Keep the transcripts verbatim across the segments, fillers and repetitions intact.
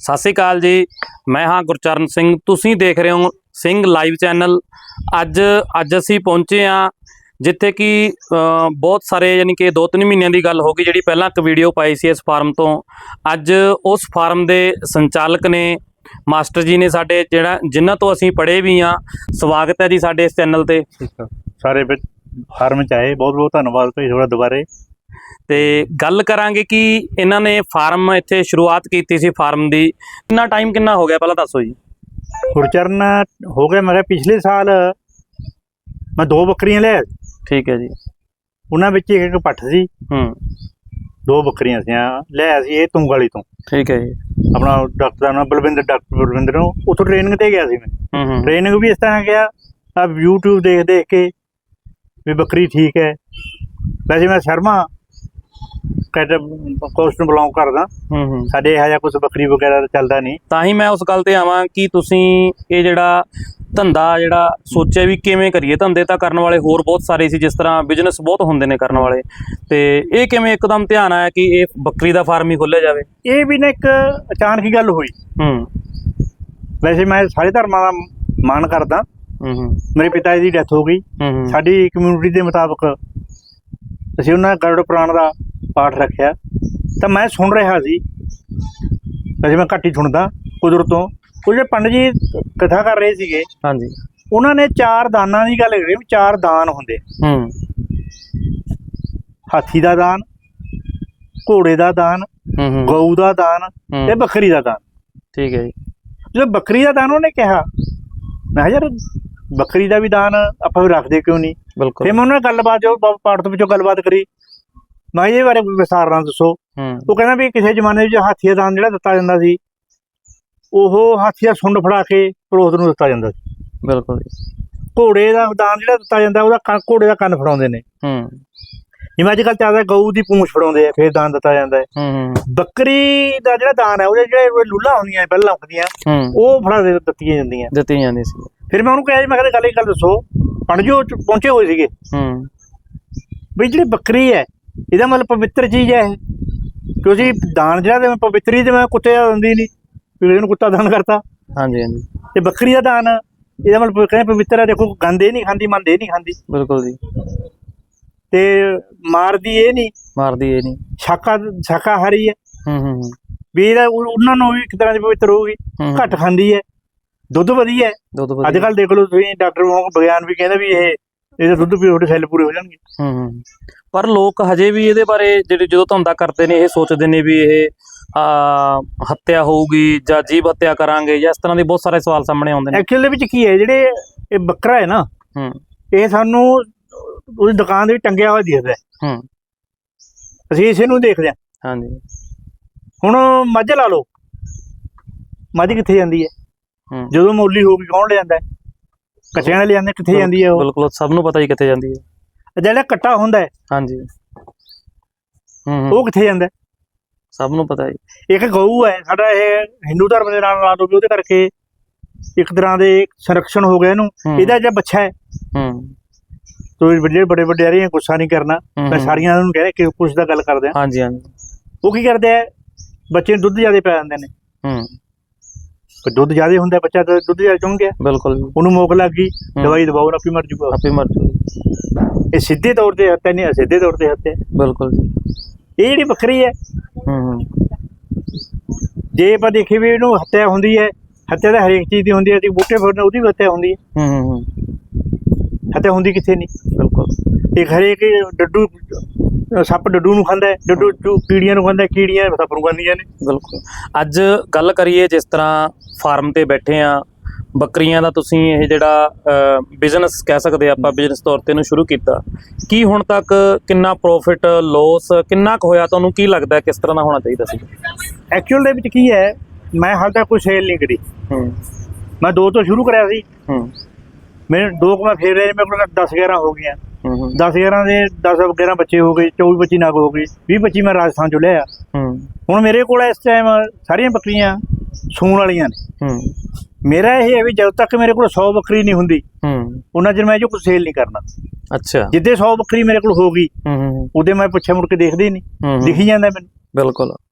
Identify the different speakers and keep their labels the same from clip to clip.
Speaker 1: ਸਤਿ ਸ਼੍ਰੀ ਅਕਾਲ ਜੀ। ਮੈਂ ਹਾਂ ਗੁਰਚਰਨ ਸਿੰਘ। ਤੁਸੀਂ ਦੇਖ ਰਹੇ ਹੋ ਸਿੰਘ ਲਾਈਵ ਚੈਨਲ। ਅੱਜ ਅੱਜ ਅਸੀਂ ਪਹੁੰਚੇ ਹਾਂ ਜਿੱਥੇ ਕਿ ਬਹੁਤ ਸਾਰੇ ਯਾਨੀ ਕਿ ਦੋ ਤਿੰਨ ਮਹੀਨਿਆਂ ਦੀ ਗੱਲ ਹੋ ਗਈ, ਜਿਹੜੀ ਪਹਿਲਾਂ ਇੱਕ ਵੀਡੀਓ ਪਾਈ ਸੀ ਇਸ ਫਾਰਮ ਤੋਂ। ਅੱਜ ਉਸ ਫਾਰਮ ਦੇ ਸੰਚਾਲਕ ਨੇ, ਮਾਸਟਰ ਜੀ ਨੇ ਸਾਡੇ, ਜਿਹੜਾ ਜਿਨ੍ਹਾਂ ਤੋਂ ਅਸੀਂ ਪੜ੍ਹੇ ਵੀ ਹਾਂ। ਸਵਾਗਤ ਹੈ ਜੀ ਸਾਡੇ ਇਸ ਚੈਨਲ ਤੇ।
Speaker 2: ਸਾਰੇ ਫਾਰਮ 'ਚ ਆਏ, ਬਹੁਤ ਬਹੁਤ ਧੰਨਵਾਦ ਭਾਈ ਤੁਹਾਡਾ ਦੁਬਾਰੇ।
Speaker 1: ਤੇ ਗੱਲ ਕਰਾਂਗੇ ਕਿ ਇਹਨਾਂ ਨੇ ਫਾਰਮ ਇੱਥੇ ਸ਼ੁਰੂਆਤ ਕੀਤੀ ਸੀ ਫਾਰਮ ਦੀ। ਕਿੰਨਾ ਟਾਈਮ ਕਿੰਨਾ ਹੋ ਗਿਆ ਪਹਿਲਾਂ ਦੱਸੋ ਜੀ।
Speaker 2: ਗੁਰਚਰਨ ਹੋ ਗਿਆ ਮੈਂ ਪਿਛਲੇ ਸਾਲ ਮੈਂ ਦੋ ਬੱਕਰੀਆਂ ਲਿਆ।
Speaker 1: ਠੀਕ ਹੈ ਜੀ।
Speaker 2: ਉਹਨਾਂ ਵਿੱਚ ਇੱਕ ਇੱਕ ਪੱਠ ਸੀ।
Speaker 1: ਹੂੰ
Speaker 2: ਦੋ ਬੱਕਰੀਆਂ ਸੀ ਲਿਆ ਸੀ ਇਹ ਤੁੰਗ ਵਾਲੀ ਤੋਂ।
Speaker 1: ਠੀਕ ਹੈ ਜੀ। ਆਪਣਾ
Speaker 2: ਡਾਕਟਰ ਦਾ ਨਾਮ ਬਲਵਿੰਦਰ, ਡਾਕਟਰ ਬਲਵਿੰਦਰ ਨੂੰ ਉੱਥੋਂ ਟ੍ਰੇਨਿੰਗ ਤੇ ਗਿਆ ਸੀ ਮੈਂ।
Speaker 1: ਹੂੰ
Speaker 2: ਟ੍ਰੇਨਿੰਗ ਵੀ ਇਸ ਤਰ੍ਹਾਂ ਗਿਆ ਆ ਯੂਟਿਊਬ ਦੇਖ ਦੇਖ ਕੇ ਵੀ ਬੱਕਰੀ ਠੀਕ ਹੈ। ਵੈਸੇ ਮੈਂ ਸ਼ਰਮਾ ਕੈਟ ਕੋਸਟ ਨੂੰ ਬਿਲੋਂਗ ਕਰਦਾ।
Speaker 1: ਹੂੰ ਹੂੰ
Speaker 2: ਸਾਡੇ ਇਹੋ ਜਿਹਾ ਕੁਛ ਬੱਕਰੀ ਵਗੈਰਾ ਚੱਲਦਾ ਨਹੀਂ।
Speaker 1: ਤਾਂ ਹੀ ਮੈਂ ਉਸ ਗੱਲ ਤੇ ਆਵਾਂ ਕਿ ਤੁਸੀਂ ਇਹ ਜਿਹੜਾ ਧੰਦਾ ਜਿਹੜਾ ਸੋਚਿਆ ਵੀ ਕਿਵੇਂ ਕਰੀਏ। ਧੰਦੇ ਤਾਂ ਕਰਨ ਵਾਲੇ ਹੋਰ ਬਹੁਤ ਸਾਰੇ ਸੀ, ਜਿਸ ਤਰ੍ਹਾਂ ਬਿਜ਼ਨਸ ਬਹੁਤ ਹੁੰਦੇ ਨੇ ਕਰਨ ਵਾਲੇ, ਤੇ ਇਹ ਕਿਵੇਂ ਇੱਕਦਮ ਧਿਆਨ ਆਇਆ ਕਿ ਇਹ ਬੱਕਰੀ ਦਾ ਫਾਰਮ ਹੀ ਖੋਲ੍ਹਿਆ ਜਾਵੇ?
Speaker 2: ਇਹ ਵੀ ਨਾ ਇੱਕ ਅਚਾਨਕ ਹੀ ਗੱਲ ਹੋਈ।
Speaker 1: ਹੂੰ
Speaker 2: ਵੈਸੇ ਮੈਂ ਸਾਰੇ ਧਰਮਾਂ ਦਾ ਮਾਣ ਕਰਦਾ।
Speaker 1: ਹੂੰ ਹੂੰ
Speaker 2: ਮੇਰੇ ਪਿਤਾ ਜੀ ਦੀ ਡੈਥ ਹੋ ਗਈ।
Speaker 1: ਹੂੰ
Speaker 2: ਸਾਡੀ ਕਮਿਊਨਿਟੀ ਦੇ ਮੁਤਾਬਕ ਅਸੀਂ ਉਹਨਾਂ ਗਰੁੜ ਪੁਰਾਣ ਦਾ ਪਾਠ ਰੱਖਿਆ ਤਾਂ ਮੈਂ ਸੁਣ ਰਿਹਾ ਸੀ। ਵੈਸੇ ਮੈਂ ਘੱਟ ਹੀ ਸੁਣਦਾ ਕੁਦਰਤ ਤੋਂ। ਉਹ ਜਿਹੜੇ ਪੰਡਤ ਜੀ ਕਥਾ ਕਰ ਰਹੇ ਸੀਗੇ,
Speaker 1: ਹਾਂਜੀ,
Speaker 2: ਉਹਨਾਂ ਨੇ ਚਾਰ ਦਾਨਾਂ ਦੀ ਗੱਲ ਕਰੀ ਵੀ ਚਾਰ ਦਾਨ ਹੁੰਦੇ।
Speaker 1: ਹੂੰ
Speaker 2: ਹਾਥੀ ਦਾ ਦਾਨ, ਘੋੜੇ ਦਾ ਦਾਨ,
Speaker 1: ਹੂੰ
Speaker 2: ਗਊ ਦਾ ਦਾਨ ਤੇ ਬੱਕਰੀ ਦਾ ਦਾਨ।
Speaker 1: ਠੀਕ ਹੈ ਜੀ।
Speaker 2: ਜਦੋਂ ਬੱਕਰੀ ਦਾ ਦਾਨ ਉਹਨੇ ਕਿਹਾ, ਮੈਂ ਕਿਹਾ ਯਾਰ ਬੱਕਰੀ ਦਾ ਵੀ ਦਾਨ ਆਪਾਂ ਵੀ ਰੱਖਦੇ ਕਿਉਂ ਨਹੀਂ।
Speaker 1: ਬਿਲਕੁਲ।
Speaker 2: ਫਿਰ ਮੈਂ ਉਹਨਾਂ ਨਾਲ ਗੱਲਬਾਤ, ਜੋ ਪਾਠ ਦੇ ਵਿੱਚੋਂ ਗੱਲਬਾਤ ਕਰੀ, ਮੈਂ ਇਹਦੇ ਬਾਰੇ ਵਿਸਥਾਰ ਨਾਲ ਦੱਸੋ। ਉਹ ਕਹਿੰਦਾ ਵੀ ਕਿਸੇ ਜ਼ਮਾਨੇ ਵਿੱਚ ਹਾਥੀ ਦਾ ਦਾਨ ਜਿਹੜਾ ਦਿੱਤਾ ਜਾਂਦਾ ਸੀ, ਉਹ ਹਾਥੀ ਦਾ ਸੁੰਡ ਫੜਾ ਕੇ ਪੜੋਸ ਨੂੰ ਦਿੱਤਾ ਜਾਂਦਾ ਸੀ।
Speaker 1: ਬਿਲਕੁਲ।
Speaker 2: ਘੋੜੇ ਦਾ ਦਾਨ ਜਿਹੜਾ ਦਿੱਤਾ ਜਾਂਦਾ, ਉਹਦਾ ਘੋੜੇ ਦਾ ਕੰਨ ਫੜਾਉਂਦੇ ਨੇ।
Speaker 1: ਹੂੰ
Speaker 2: ਜਿਵੇਂ ਅੱਜ ਕੱਲ੍ਹ ਚੱਲਦਾ ਗਊ ਦੀ ਪੂੰਛ ਫੜਾਉਂਦੇ ਆ, ਫਿਰ ਦਾਨ ਦਿੱਤਾ ਜਾਂਦਾ ਹੈ।
Speaker 1: ਹੂੰ
Speaker 2: ਬੱਕਰੀ ਦਾ ਜਿਹੜਾ ਦਾਨ ਹੈ, ਉਹਦੇ ਜਿਹੜੇ ਲੂਲਾ ਹੁੰਦੀਆਂ ਪਹਿਲਾਂ ਹੁੰਦੀਆਂ, ਉਹ ਫੜਾ ਦੇ ਦਿੱਤੀਆਂ ਜਾਂਦੀਆਂ
Speaker 1: ਦਿੱਤੀਆਂ ਜਾਂਦੀਆਂ ਸੀ।
Speaker 2: ਫਿਰ ਮੈਂ ਉਹਨੂੰ ਕਿਹਾ ਜੀ, ਮੈਂ ਕਹਿੰਦਾ ਗੱਲ ਇਹ ਗੱਲ ਦੱਸੋ, ਪੰਡਤ ਜੀ ਪਹੁੰਚੇ ਹੋਏ ਸੀਗੇ
Speaker 1: ਹੂੰ
Speaker 2: ਵੀ ਜਿਹੜੀ ਬੱਕਰੀ ਹੈ ਇਹਦਾ ਮਤਲਬ ਪਵਿੱਤਰ ਚੀਜ਼ ਹੈ ਇਹ, ਕਿਉਂਕਿ ਦਾਨ ਜਿਹੜਾ ਤੇ ਪਵਿੱਤਰੀ ਤੇ ਮੈਂ ਕੁੱਤੇ ਦਿੰਦੀ ਨਹੀਂ, ਵੀ ਇਹਨੂੰ ਕੁੱਤਾ ਦਾਨ ਕਰਤਾ। ਹਾਂਜੀ ਹਾਂਜੀ। ਤੇ ਬੱਕਰੀ ਦਾ ਦਾਨ ਇਹਦਾ ਮਤਲਬ ਕਹਿੰਦੇ ਪਵਿੱਤਰ ਹੈ। ਦੇਖੋ ਗੰਦ ਇਹ ਨਹੀਂ ਖਾਂਦੀ, ਮੰਦ ਇਹ ਨਹੀਂ ਖਾਂਦੀ। ਬਿਲਕੁਲ ਜੀ। ਤੇ ਮਾਰਦੀ ਇਹ ਨਹੀਂ, ਮਾਰਦੀ ਇਹ ਨਹੀਂ, ਸ਼ਾਕਾ ਸ਼ਾਕਾਹਾਰੀ ਹੈ। ਹੂੰ ਹੂੰ ਵੀ ਇਹਦਾ ਉਹਨਾਂ ਨੂੰ ਵੀ ਇੱਕ ਤਰ੍ਹਾਂ ਦੀ ਪਵਿੱਤਰ ਹੋਊਗੀ। ਘੱਟ ਖਾਂਦੀ ਹੈ, ਦੁੱਧ ਵਧੀਆ ਹੈ। ਅੱਜ ਕੱਲ੍ਹ ਦੇਖ ਲਓ ਤੁਸੀਂ, ਡਾਕਟਰ ਵਿਗਿਆਨ ਵੀ ਕਹਿੰਦਾ ਵੀ ਇਹ ਇਹਦਾ ਦੁੱਧ ਪੀਓ ਤੁਹਾਡੇ ਸੈੱਲ ਪੂਰੇ ਹੋ ਜਾਣਗੇ। ਹੂੰ ਹੂੰ
Speaker 1: ਪਰ ਲੋਕ ਹਜੇ ਵੀ ਇਹਦੇ ਬਾਰੇ ਜਿਹੜੇ ਜਦੋਂ ਧੰਦਾ ਕਰਦੇ ਨੇ, ਇਹ ਸੋਚਦੇ ਨੇ ਵੀ ਇਹ ਹੱਤਿਆ ਹੋਊਗੀ ਜਾਂ ਜੀਵ ਹੱਤਿਆ ਕਰਾਂਗੇ ਜਾਂ ਇਸ ਤਰ੍ਹਾਂ ਦੇ ਬਹੁਤ ਸਾਰੇ ਸਵਾਲ ਸਾਹਮਣੇ ਆਉਂਦੇ ਨੇ।
Speaker 2: ਐਕਚੁਅਲ ਦੇ ਵਿੱਚ ਕੀ ਹੈ, ਜਿਹੜੇ ਇਹ ਬੱਕਰਾ ਹੈ ਨਾ,
Speaker 1: ਹੂੰ
Speaker 2: ਇਹ ਸਾਨੂੰ ਉਹਦੀ ਦੁਕਾਨ ਦੇ ਵਿੱਚ ਟੰਗਿਆ ਹੋਇਆ ਦਿਖਦਾ।
Speaker 1: ਹੂੰ
Speaker 2: ਅਸੀਂ ਇਸੇ ਨੂੰ ਦੇਖਦੇ ਹਾਂ। ਹਾਂਜੀ। ਹੁਣ ਮੱਝ ਲਾ ਲਓ, ਮੱਝ ਕਿੱਥੇ ਜਾਂਦੀ ਹੈ? ਜਦੋਂ ਮੌਲੀ ਹੋ ਗਈ ਕੌਣ ਲੈ ਜਾਂਦਾ? ਕੱਟਿਆਂ ਨਾਲ ਲੈ ਜਾਂਦੇ, ਕਿੱਥੇ ਜਾਂਦੀ ਹੈ ਉਹ? ਬਿਲਕੁਲ, ਸਭ ਨੂੰ ਪਤਾ ਹੀ ਕਿੱਥੇ ਜਾਂਦੀ ਹੈ। ਜਿਹੜਾ ਕੱਟਾ ਹੁੰਦਾ ਹੈ, ਹਾਂਜੀ, ਉਹ ਕਿੱਥੇ ਜਾਂਦਾ? ਸਭ ਨੂੰ ਪਤਾ ਹੀ। ਇੱਕ ਗਊ ਹੈ ਸਾਡਾ, ਇਹ ਹਿੰਦੂ ਧਰਮ ਦੇ ਨਾਲ ਲਾ ਲਓ ਵੀ ਉਹਦੇ ਕਰਕੇ ਇੱਕ ਤਰ੍ਹਾਂ ਦੇ ਸੰਰਕਸ਼ਣ ਹੋ ਗਿਆ ਇਹਨੂੰ। ਇਹਦਾ ਜਿਹੜਾ ਬੱਚਾ ਹੈ, ਤੁਸੀਂ ਜਿਹੜੇ ਬੜੇ ਵੱਡੇ ਆ ਰਹੇ ਗੁੱਸਾ ਨਹੀਂ ਕਰਨਾ, ਮੈਂ ਸਾਰੀਆਂ ਨੂੰ ਕਹਿ ਰਿਹਾ ਕਿ ਕੁਛ ਦਾ ਗੱਲ ਕਰਦੇ ਆ। ਹਾਂਜੀ ਹਾਂਜੀ। ਉਹ ਕੀ ਕਰਦੇ ਆ, ਬੱਚੇ ਨੂੰ ਦੁੱਧ ਜ਼ਿਆਦਾ ਪੈ ਜਾਂਦੇ ਨੇ। ਹੂੰ ਦੁੱਧ ਜ਼ਿਆਦਾ ਹੁੰਦਾ, ਬੱਚਾ ਤਾਂ ਦੁੱਧ ਜ਼ਿਆਦਾ ਚੁੰਘ ਗਿਆ। ਬਿਲਕੁਲ। ਉਹਨੂੰ ਮੋਕ ਲੱਗ ਗਈ, ਦਵਾਈ ਦਵਾਓ, ਆਪੇ ਮਰ ਜੂਗਾ, ਆਪੇ ਮਰ ਜੂਗਾ। ਇਹ ਸਿੱਧੇ ਤੌਰ ਤੇ ਹੱਤਿਆ ਨਹੀਂ, ਸਿੱਧੇ ਤੌਰ ਤੇ ਹੱਤਿਆ। ਬਿਲਕੁਲ। ਇਹ ਜਿਹੜੀ ਬੱਕਰੀ ਹੈ, ਹੂੰ ਜੇ ਆਪਾਂ ਦੇਖੀਏ ਵੀ ਇਹਨੂੰ ਹੱਤਿਆ ਹੁੰਦੀ ਹੈ, ਹੱਤਿਆ ਤਾਂ ਹਰੇਕ ਚੀਜ਼ ਦੀ ਹੁੰਦੀ ਹੈ। ਅਸੀਂ ਬੂਟੇ ਫੜਨੇ, ਉਹਦੀ ਵੀ ਹੱਤਿਆ ਹੁੰਦੀ ਹੈ। ਹੂੰ ਹੂੰ ਹੱਤਿਆ ਹੁੰਦੀ ਕਿੱਥੇ ਨਹੀਂ। ਬਿਲਕੁਲ। ਇੱਕ ਹਰੇਕ ਡੱਡੂ ਸੱਪ ਡੱਡੂ ਨੂੰ ਖਾਂਦਾ ਹੈ, ਡੱਡੂ ਕੀੜੀਆਂ ਨੂੰ ਖਾਂਦਾ, ਕੀੜੀਆਂ ਸੱਪ ਨੂੰ ਖਾਂਦੀਆਂ ਨੇ। ਬਿਲਕੁਲ।
Speaker 1: ਅੱਜ ਗੱਲ ਕਰੀਏ, ਜਿਸ ਤਰ੍ਹਾਂ ਫਾਰਮ ਤੇ ਬੈਠੇ ਆ ਬੱਕਰੀਆਂ ਦਾ, ਤੁਸੀਂ ਇਹ ਜਿਹੜਾ ਬਿਜ਼ਨਸ ਕਹਿ ਸਕਦੇ ਆਪਾਂ, ਬਿਜ਼ਨਸ ਤੌਰ ਤੇ ਇਹਨੂੰ ਸ਼ੁਰੂ ਕੀਤਾ, ਕੀ ਹੁਣ ਤੱਕ ਕਿੰਨਾ ਪ੍ਰੋਫਿਟ ਲੋਸ ਕਿੰਨਾ ਕੁ ਹੋਇਆ? ਤੁਹਾਨੂੰ ਕੀ ਲੱਗਦਾ ਕਿਸ ਤਰ੍ਹਾਂ ਦਾ ਹੋਣਾ ਚਾਹੀਦਾ ਸੀ?
Speaker 2: ਐਕਚੁਅਲ ਦੇ ਵਿੱਚ ਕੀ ਹੈ, ਮੈਂ ਹਾਲੇ ਤੱਕ ਕੋਈ ਸੇਲ ਨਹੀਂ ਕਰੀ। ਹੂੰ ਮੈਂ ਦੋ ਤੋਂ ਸ਼ੁਰੂ ਕਰਿਆ ਸੀ। ਹੂੰ ਮੇਰੇ ਦੋ ਕੁ ਮੈਂ ਫੇਰ ਰਹੇ, ਮੇਰੇ ਕੋਲ ਦਸ ਗਿਆਰਾਂ ਹੋ ਗਈਆਂ। ਦਸ ਗਿਆਰਾਂ ਦੇ ਦਸ ਗਿਆਰਾਂ ਬੱਚੇ ਹੋ ਗਏ, ਚੌਵੀ ਪੱਚੀ ਨਗ ਹੋ ਗਈ, ਵੀਹ ਪੱਚੀ ਮੈਂ ਰਾਜਸਥਾਨ ਚੋਂ ਲਿਆ। ਹੁਣ ਮੇਰੇ ਕੋਲ ਇਸ ਟਾਈਮ ਸਾਰੀਆਂ ਬੱਕਰੀਆਂ ਸੂਣ ਵਾਲੀਆਂ ਨੇ। ਮੇਰਾ ਇਹ ਹੈ ਵੀ ਜਦੋਂ ਤੱਕ ਮੇਰੇ ਕੋਲ ਸੌ ਬੱਕਰੀ ਨਹੀਂ ਹੁੰਦੀ, ਉਹਨਾਂ ਚਿਰ ਮੈਂ ਜੋ ਕੁਛ ਸੇਲ ਨਹੀਂ ਕਰਨਾ। ਅੱਛਾ। ਜਿੱਦੇ ਸੌ ਬੱਕਰੀ ਮੇਰੇ ਕੋਲ ਹੋ ਗਈ, ਉਹਦੇ ਮੈਂ ਪੁੱਛਿਆ ਮੁੜ ਕੇ ਦੇਖਦੇ ਹੀ ਨਹੀਂ, ਦਿਖੀ ਜਾਂਦਾ ਮੈਨੂੰ। ਬਿਲਕੁਲ।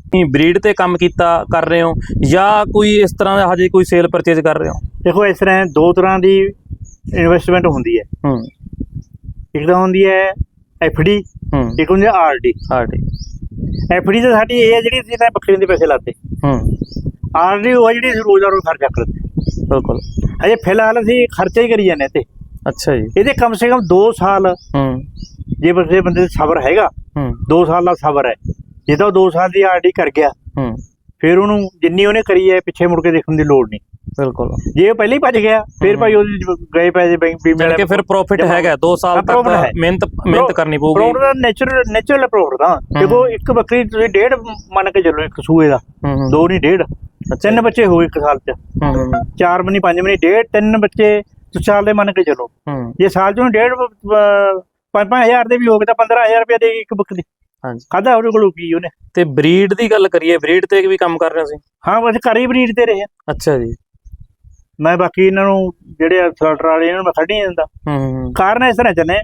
Speaker 1: ਬਰੀਡ ਤੇ ਕੰਮ ਕੀਤਾ ਕਰ ਰਹੇ ਹੋ ਜਾਂ ਕੋਈ ਇਸ ਤਰ੍ਹਾਂ ਦਾ ਹਜੇ ਕੋਈ ਸੇਲ ਪਰਚੇਜ ਕਰ ਰਹੇ ਹੋ?
Speaker 2: ਦੇਖੋ ਇਸ ਤਰ੍ਹਾਂ ਦੋ ਤਰ੍ਹਾਂ ਦੀ ਇਨਵੈਸਟਮੈਂਟ ਹੁੰਦੀ ਹੈ।
Speaker 1: ਹੂੰ
Speaker 2: ਇੱਕ ਤਾਂ ਹੁੰਦੀ ਹੈ ਐਫ ਡੀ,
Speaker 1: ਹੂੰ
Speaker 2: ਇੱਕ ਹੁੰਦੀ ਹੈ R D.
Speaker 1: R D.
Speaker 2: F D ਤਾਂ ਸਾਡੀ ਇਹ ਹੈ ਜਿਹੜੀ ਅਸੀਂ ਤਾਂ ਬੱਕਰੀਆਂ ਦੇ ਪੈਸੇ ਲਾਤੇ।
Speaker 1: ਹੂੰ
Speaker 2: ਆਰ ਡੀ ਉਹ ਹੈ ਜਿਹੜੀ ਅਸੀਂ ਰੋਜ਼ ਦਾ ਰੋਜ਼ ਖਰਚਾ ਕਰਦੇ।
Speaker 1: ਬਿਲਕੁਲ।
Speaker 2: ਅਜੇ ਫਿਲਹਾਲ ਅਸੀਂ ਖਰਚਾ ਹੀ ਕਰੀ ਜਾਂਦੇ ਤੇ।
Speaker 1: ਅੱਛਾ ਜੀ।
Speaker 2: ਇਹਦੇ ਕਮ ਸੇ ਕਮ ਦੋ ਸਾਲ
Speaker 1: ਹੂੰ
Speaker 2: ਜੇ ਬੰਦੇ ਬੰਦੇ ਦਾ ਸਬਰ ਹੈਗਾ,
Speaker 1: ਹੂੰ
Speaker 2: ਦੋ ਸਾਲ ਦਾ ਸਬਰ ਹੈ। ਜੇ ਤਾਂ ਉਹ ਦੋ ਸਾਲ ਦੀ ਆਰ ਡੀ ਕਰ ਗਿਆ
Speaker 1: ਹੂੰ
Speaker 2: ਫਿਰ ਉਹਨੂੰ ਜਿੰਨੀ ਉਹਨੇ ਕਰੀ ਹੈ ਪਿੱਛੇ ਮੁੜ ਕੇ ਦੇਖਣ ਦੀ ਲੋੜ ਨਹੀਂ।
Speaker 1: ਬਿਲਕੁਲ।
Speaker 2: ਜੇ ਉਹ ਪਹਿਲਾਂ ਹੀ ਭੱਜ ਗਿਆ ਫਿਰ ਭਾਈ ਉਹਦੇ ਗਏ ਪੈਸੇ ਬੈਂਕ ਵੀ
Speaker 1: ਜਾਣੀ ਕਿ ਫਿਰ ਪ੍ਰੋਫਿਟ ਹੈਗਾ ਦੋ ਸਾਲ ਤੱਕ ਮਿਹਨਤ ਮਿਹਨਤ ਕਰਨੀ ਪਊਗੀ।
Speaker 2: ਪ੍ਰੋਫਿਟ ਦਾ ਨੇਚਰਲ ਨੇਚਰਲ ਪ੍ਰੋਫਿਟ ਦਾ। ਦੇਖੋ ਇੱਕ ਬੱਕਰੀ ਤੁਸੀਂ ਡੇਢ ਮੰਨ ਕੇ ਚੱਲੋ, ਇੱਕ ਸੂਏ ਦਾ ਦੋ ਨਹੀਂ ਡੇਢ, ਤਿੰਨ ਬੱਚੇ ਹੋਏ ਇੱਕ ਸਾਲ ਚ, ਚਾਰ ਬਣੀ ਪੰਜ ਬਣੀ ਡੇਢ, ਤਿੰਨ ਬੱਚੇ ਤੁਸੀਂ ਸਾਲ ਦੇ ਮੰਨ ਕੇ ਚੱਲੋ। ਜੇ ਸਾਲ ਚੋਂ ਡੇਢ ਪੰਜ ਪੰਜ ਹਜ਼ਾਰ ਦੇ ਵੀ ਹੋ ਗਏ ਤਾਂ ਪੰਦਰਾਂ ਹਜ਼ਾਰ ਰੁਪਇਆ ਦੇ ਇੱਕ ਬੱਕਰੀ ਖਾਧਾ ਉਹਦੇ ਕੋਲੋਂ ਕੀ ਉਹਨੇ।
Speaker 1: ਤੇ ਬਰੀਡ ਦੀ ਗੱਲ ਕਰੀਏ, ਬਰੀਡ ਤੇ ਵੀ ਕੰਮ ਕਰ ਰਹੇ ਸੀ?
Speaker 2: ਹਾਂ ਬਸ ਘਰ ਹੀ ਬਰੀਡ ਤੇ ਰਹੇ।
Speaker 1: ਅੱਛਾ ਜੀ।
Speaker 2: ਮੈਂ ਬਾਕੀ ਇਹਨਾਂ ਨੂੰ ਜਿਹੜੇ ਸਲਟਰ ਵਾਲੇ ਇਹਨਾਂ ਨੂੰ ਮੈਂ ਕੱਢ ਨਹੀਂ ਦਿੰਦਾ।
Speaker 1: ਹੂੰ
Speaker 2: ਕਾਰਨ ਇਸ ਤਰ੍ਹਾਂ ਚੱਲੇ,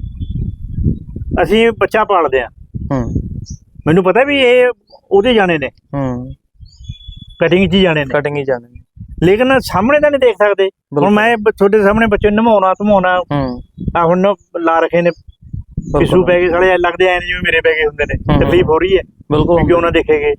Speaker 2: ਅਸੀਂ ਬੱਚਾ ਪਾਲਦੇ ਆ,
Speaker 1: ਹੂੰ
Speaker 2: ਮੈਨੂੰ ਪਤਾ ਵੀ ਇਹ ਉਹਦੇ ਜਾਣੇ ਨੇ,
Speaker 1: ਹੂੰ
Speaker 2: ਕਟਿੰਗ 'ਚ ਹੀ ਜਾਣੇ ਨੇ,
Speaker 1: ਕਟਿੰਗ ਹੀ ਜਾਣੇ ਨੇ,
Speaker 2: ਲੇਕਿਨ ਸਾਹਮਣੇ ਤਾਂ ਨਹੀਂ ਦੇਖ ਸਕਦੇ। ਹੁਣ ਮੈਂ ਤੁਹਾਡੇ ਸਾਹਮਣੇ ਬੱਚੇ ਨੂੰ ਨਵਾਉਣਾ ਧਵਾਉਣਾ, ਆ ਹੁਣ ਲਾ ਰੱਖੇ ਨੇ ਪਿੱਛੂ ਪੈ ਗਏ ਸਾਲੇ, ਲੱਗਦੇ ਐ ਜਿਵੇਂ ਮੇਰੇ ਪੈ ਗਏ ਹੁੰਦੇ ਨੇ, ਤਕਲੀਫ ਹੋ ਰਹੀ ਹੈ
Speaker 1: ਬਿਲਕੁਲ
Speaker 2: ਕਿਉਂ ਨਾ ਦੇਖੇਗੇ।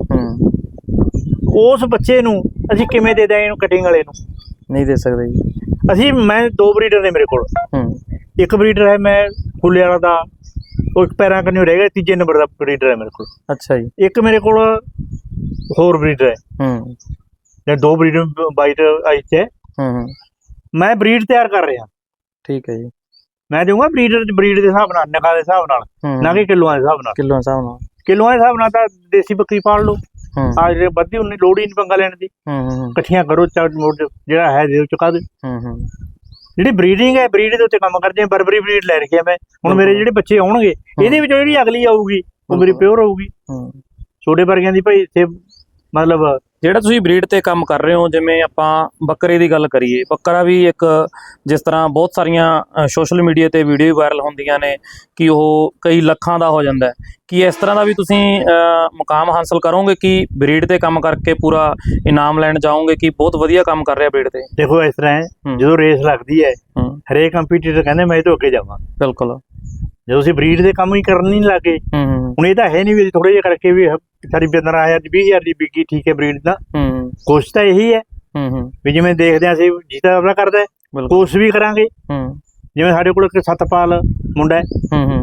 Speaker 2: ਉਸ ਬੱਚੇ ਨੂੰ ਅਸੀਂ ਕਿਵੇਂ ਦੇ ਦਿਆਂ ਇਹਨੂੰ ਕਟਿੰਗ ਵਾਲੇ ਨੂੰ?
Speaker 1: ਨਹੀਂ ਦੇ ਸਕਦੇ ਜੀ
Speaker 2: ਅਸੀਂ। ਮੈਂ ਦੋ ਬਰੀਡਰ ਨੇ ਮੇਰੇ ਕੋਲ, ਇੱਕ ਬਰੀਡਰ ਹੈ ਮੈਂ ਫੁੱਲੇ ਵਾਲਾ ਦਾ, ਉਹ ਪੈਰਾਂ ਕੰਨਿਓ ਰਹਿ ਗਿਆ, ਤੀਜੇ ਨੰਬਰ ਦਾ ਬਰੀਡਰ ਹੈ ਮੇਰੇ ਕੋਲ।
Speaker 1: ਅੱਛਾ ਜੀ।
Speaker 2: ਇੱਕ ਮੇਰੇ ਕੋਲ ਹੋਰ ਬਰੀਡਰ ਹੈ,
Speaker 1: ਹੂੰ
Speaker 2: ਜਾਂ ਦੋ ਬਰੀਡਰ ਵਾਈਟ ਆਈਸ ਹੈ।
Speaker 1: ਹੂੰ
Speaker 2: ਮੈਂ ਬਰੀਡ ਤਿਆਰ ਕਰ ਰਿਹਾ। ਠੀਕ
Speaker 1: ਹੈ ਜੀ।
Speaker 2: ਮੈਂ ਦਊਂਗਾ ਬਰੀਡਰ ਬਰੀਡ ਦੇ ਹਿਸਾਬ ਨਾਲ, ਨਗਾ ਦੇ ਹਿਸਾਬ ਨਾਲ, ਨਾ ਕਿ ਕਿਲੋਆਂ ਦੇ ਹਿਸਾਬ ਨਾਲ।
Speaker 1: ਕਿਲੋਆਂ ਦੇ ਹਿਸਾਬ ਨਾਲ
Speaker 2: ਕਿਲੋਆਂ ਦੇ ਹਿਸਾਬ ਨਾਲ ਤਾਂ ਦੇਸੀ ਬੱਕਰੀ ਪਾਲ ਲਓ, ਆ ਜਿਹੜੇ ਵੱਧੀ ਉਨੀ ਲੋੜ ਹੀ ਨਹੀਂ ਪੰਗਾ ਲੈਣ ਦੀ। ਇਕੱਠੀਆਂ ਕਰੋ, ਜਿਹੜਾ ਹੈ ਦੇ ਚੁਕਾ ਦੇ। ਜਿਹੜੀ ਬਰੀਡਿੰਗ ਹੈ ਬਰੀਡ ਦੇ ਉੱਤੇ ਕੰਮ ਕਰਦੇ ਆ। ਬਰਬਰੀ ਬਰੀਡ ਲੈ ਰੱਖੀ ਆ ਮੈਂ। ਹੁਣ ਮੇਰੇ ਜਿਹੜੇ ਬੱਚੇ ਆਉਣਗੇ ਇਹਦੇ ਵਿੱਚੋਂ ਜਿਹੜੀ ਅਗਲੀ ਆਊਗੀ ਉਹ ਮੇਰੀ ਪਿਓਰ ਹੋਊਗੀ। ਛੋਟੇ ਵਰਗਿਆਂ ਦੀ ਭਾਈ ਇੱਥੇ ਮਤਲਬ
Speaker 1: ਜਿਹੜਾ ਤੁਸੀਂ ਬਰੀਡ ਤੇ ਕੰਮ ਕਰ ਰਹੇ ਹੋ, ਜਿਵੇਂ ਆਪਾਂ ਬੱਕਰੇ ਦੀ ਗੱਲ ਕਰੀਏ, ਬੱਕਰਾ ਵੀ ਇੱਕ ਜਿਸ ਤਰ੍ਹਾਂ ਬਹੁਤ ਸਾਰੀਆਂ ਸੋਸ਼ਲ ਮੀਡੀਆ ਤੇ ਵੀਡੀਓ ਵਾਇਰਲ ਹੁੰਦੀਆਂ ਨੇ ਕਿ ਉਹ ਕਈ ਲੱਖਾਂ ਦਾ ਹੋ ਜਾਂਦਾ ਹੈ, ਕਿ ਇਸ ਤਰ੍ਹਾਂ ਦਾ ਵੀ ਤੁਸੀਂ ਮੁਕਾਮ ਹਾਸਲ ਕਰੋਗੇ ਕਿ ਬਰੀਡ ਤੇ ਕੰਮ ਕਰਕੇ ਪੂਰਾ ਇਨਾਮ ਲੈਣ ਜਾਓਗੇ ਕਿ ਬਹੁਤ ਵਧੀਆ ਕੰਮ ਕਰ ਰਿਹਾ ਬਰੀਡ ਤੇ?
Speaker 2: ਦੇਖੋ ਇਸ ਤਰ੍ਹਾਂ ਹੈ, ਜਦੋਂ ਰੇਸ ਲੱਗਦੀ ਹੈ ਹਰੇਕ ਕੰਪੀਟੀਟਰ ਕਹਿੰਦੇ ਮੈਂ ਇਹ ਤੋਂ ਅੱਗੇ ਜਾਵਾਂ। ਬਿਲਕੁਲ। ਜਦੋਂ ਅਸੀਂ ਬਰੀਡ ਦੇ ਕੰਮ ਹੀ ਕਰਨ ਨਹੀਂ ਲੱਗੇ, ਹੁਣ ਇਹ ਤਾਂ ਹੈ ਨਹੀਂ ਵੀ ਥੋੜੇ ਜਿਹੇ ਕਰਕੇ ਵੀ ਸਾਡੀ ਪੰਦਰਾਂ ਹਜ਼ਾਰ ਦੀ ਵੀਹ ਹਜ਼ਾਰ ਦੀ ਵਿਕੀ, ਠੀਕ ਹੈ ਬਰੀਡ ਦਾ। ਕੋਸ਼ਿਸ਼ ਤਾਂ ਇਹੀ ਹੈ ਵੀ ਜਿਵੇਂ ਦੇਖਦੇ ਹਾਂ ਅਸੀਂ ਜੀਤਾ ਆਪਣਾ ਕਰਦਾ, ਕੋਸ਼ਿਸ਼ ਵੀ ਕਰਾਂਗੇ। ਜਿਵੇਂ ਸਾਡੇ ਕੋਲ ਇੱਕ ਸਤਪਾਲ ਮੁੰਡਾ ਹੈ,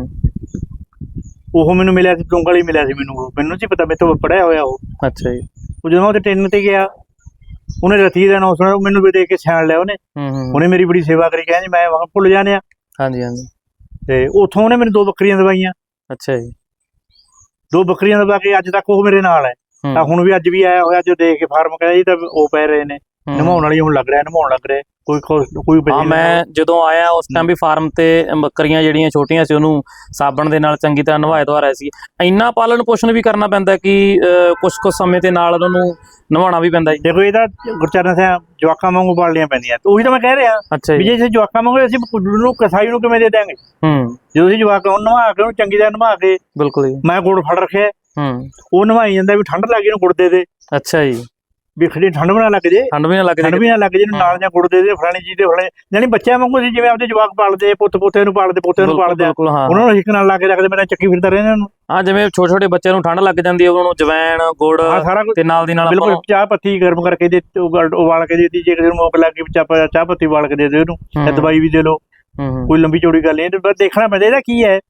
Speaker 2: ਉਹ ਮੈਨੂੰ ਮਿਲਿਆ ਸੀ, ਚੁੰਗਲ ਹੀ ਮਿਲਿਆ ਸੀ ਮੈਨੂੰ। ਮੈਨੂੰ ਸੀ ਪਤਾ, ਮੇਰੇ ਤੋਂ ਪੜਿਆ ਹੋਇਆ ਉਹ। ਅੱਛਾ ਜੀ। ਉਹ ਜਦੋਂ ਉਹਦੇ ਟ੍ਰੇਨਿੰਗ ਤੇ ਗਿਆ, ਉਹਨੇ ਰਤੀ ਦਾ ਨਾਮ ਸੁਣਿਆ, ਮੈਨੂੰ ਵੀ ਦੇਖ ਕੇ ਸਿਆਣ ਲਿਆ ਉਹਨੇ। ਉਹਨੇ ਮੇਰੀ ਬੜੀ ਸੇਵਾ ਕਰੀ, ਕਹਿੰਦੀ ਮੈਂ ਵਾਂ ਭੁੱਲ ਜਾਣੇ ਆ। ਹਾਂਜੀ ਹਾਂਜੀ। ਤੇ ਉੱਥੋਂ ਉਹਨੇ ਮੈਨੂੰ ਦੋ ਬੱਕਰੀਆਂ ਦਵਾਈਆਂ। ਅੱਛਾ ਜੀ। ਦੋ ਬੱਕਰੀਆਂ ਦਵਾ ਕੇ ਅੱਜ ਤੱਕ ਉਹ ਮੇਰੇ ਨਾਲ ਹੈ। ਤਾਂ ਹੁਣ ਵੀ ਅੱਜ ਵੀ ਆਇਆ ਹੋਇਆ, ਜੋ ਦੇਖ ਕੇ ਫਾਰਮ ਕਹਿੰਦਾ ਜੀ ਤਾਂ ਉਹ ਪੈ ਰਹੇ ਨੇ, ਨਮਾਉਣ ਵਾਲੀ ਹੁਣ ਲੱਗ ਰਿਹਾ, ਨਮਾਉਣ ਲੱਗ ਰਿਹਾ। ਕੋਈ ਕੋਈ ਹਾਂ, ਮੈਂ ਜਦੋਂ ਆਇਆ ਉਸ ਟਾਈਮ ਵੀ ਫਾਰਮ ਤੇ ਬੱਕਰੀਆਂ ਜਿਹੜੀਆਂ ਛੋਟੀਆਂ ਸੀ ਉਹਨੂੰ ਸਾਬਣ ਦੇ ਨਾਲ ਚੰਗੀ ਤਰ੍ਹਾਂ ਨਵਾਇਆ ਧਵਾ ਰਿਹਾ ਸੀ। ਇੰਨਾ ਪਾਲਣ ਪੋਸ਼ਣ ਵੀ ਕਰਨਾ ਪੈਂਦਾ ਕਿ ਕੁਛ ਕੁਛ ਸਮੇਂ ਦੇ ਨਾਲ ਉਹਨੂੰ ਨਵਾਉਣਾ ਵੀ ਪੈਂਦਾ ਜੀ। ਦੇਖੋ ਇਹ ਤਾਂ ਗੁਰਚਰਨ ਸਿੰਘ ਜਵਾਕਾਂ ਵਾਂਗੂ ਪਾਲਣੀਆਂ ਪੈਂਦੀਆਂ, ਉਹੀ ਤਾਂ ਮੈਂ ਕਹਿ ਰਿਹਾ। ਅੱਛਾ ਵੀ ਜੇ ਅਸੀਂ ਜਵਾਕਾਂ ਵਾਂਗੂ ਅਸੀਂ ਨੂੰ ਕਸਾਈ ਨੂੰ ਕਿਵੇਂ ਦੇ ਦਿਆਂਗੇ? ਜਦੋਂ ਅਸੀਂ ਜਵਾਕ ਨੂੰ ਨਵਾ ਕੇ ਉਹਨੂੰ ਚੰਗੀ ਤਰ੍ਹਾਂ ਨਵਾ ਕੇ, ਬਿਲਕੁਲ ਮੈਂ ਗੁੜ ਫੜ ਰੱਖਿਆ, ਉਹ ਨਵਾਈ ਜਾਂਦਾ ਵੀ ਠੰਡ ਲੱਗ ਗਈ ਉਹਨੂੰ ਗੁੜ ਦੇ ਦੇ। ਅੱਛਾ ਜੀ। ਵੀ ਖੜੀ ਠੰਡ ਵੀ ਨਾ ਲੱਗ ਜੇ, ਠੰਡ ਵੀ ਨਾ ਲੱਗ ਜੇ, ਠੰਡ ਵੀ ਨਾ ਲੱਗ ਜੇ, ਨਾਲ ਜਾਂ ਗੁੜ ਦੇ ਦੇ, ਫਲਾਣੀ ਚੀਜ਼ ਦੇ ਫਲਾਣੇ, ਜਾਨੀ ਬੱਚਿਆਂ ਵਾਂਗੂ ਅਸੀਂ ਜਿਵੇਂ ਆਪਦੇ ਜਵਾਕ ਪਾਲਦੇ, ਪੁੱਤ ਪੋਤੇ ਨੂੰ ਪਾਲਦੇ, ਪੋਤੇ ਨੂੰ ਪਾਲਦੇ, ਉਹਨਾਂ ਨੂੰ ਹਿੱਕ ਨਾਲ ਲਾ ਕੇ ਰੱਖਦੇ, ਮੇਰਾ ਚੱਕੀ ਫਿਰਦਾ ਰਹਿੰਦਾ ਉਹਨੂੰ। ਹਾਂ, ਜਿਵੇਂ ਛੋਟੇ ਛੋਟੇ ਬੱਚਿਆਂ ਨੂੰ ਠੰਡ ਲੱਗ ਜਾਂਦੀ ਹੈ, ਉਹਨੂੰ ਜਵੈਣ ਗੁੜ ਤੇ ਨਾਲ ਦੀ ਨਾਲ ਬਿਲਕੁਲ ਚਾਹ ਪੱਤੀ ਗਰਮ ਕਰਕੇ ਦੇ, ਉਬਾਲ ਕੇ ਦੇ ਦਿੱਤੀ। ਜੇ ਕਿਸੇ ਨੂੰ ਮੌਕ ਲੱਗ ਗਈ ਚਾਹ ਚਾਹ ਪੱਤੀ ਉਬਾਲ ਕੇ ਦੇ ਦੇ ਉਹਨੂੰ, ਜਾਂ ਦਵਾਈ ਵੀ ਦੇ ਲਓ, ਕੋਈ ਲੰਬੀ ਚੌੜੀ ਗੱਲ ਨਹੀਂ। ਬਸ ਦੇਖਣਾ ਪੈਂਦਾ ਇਹਦਾ ਕੀ ਹੈ,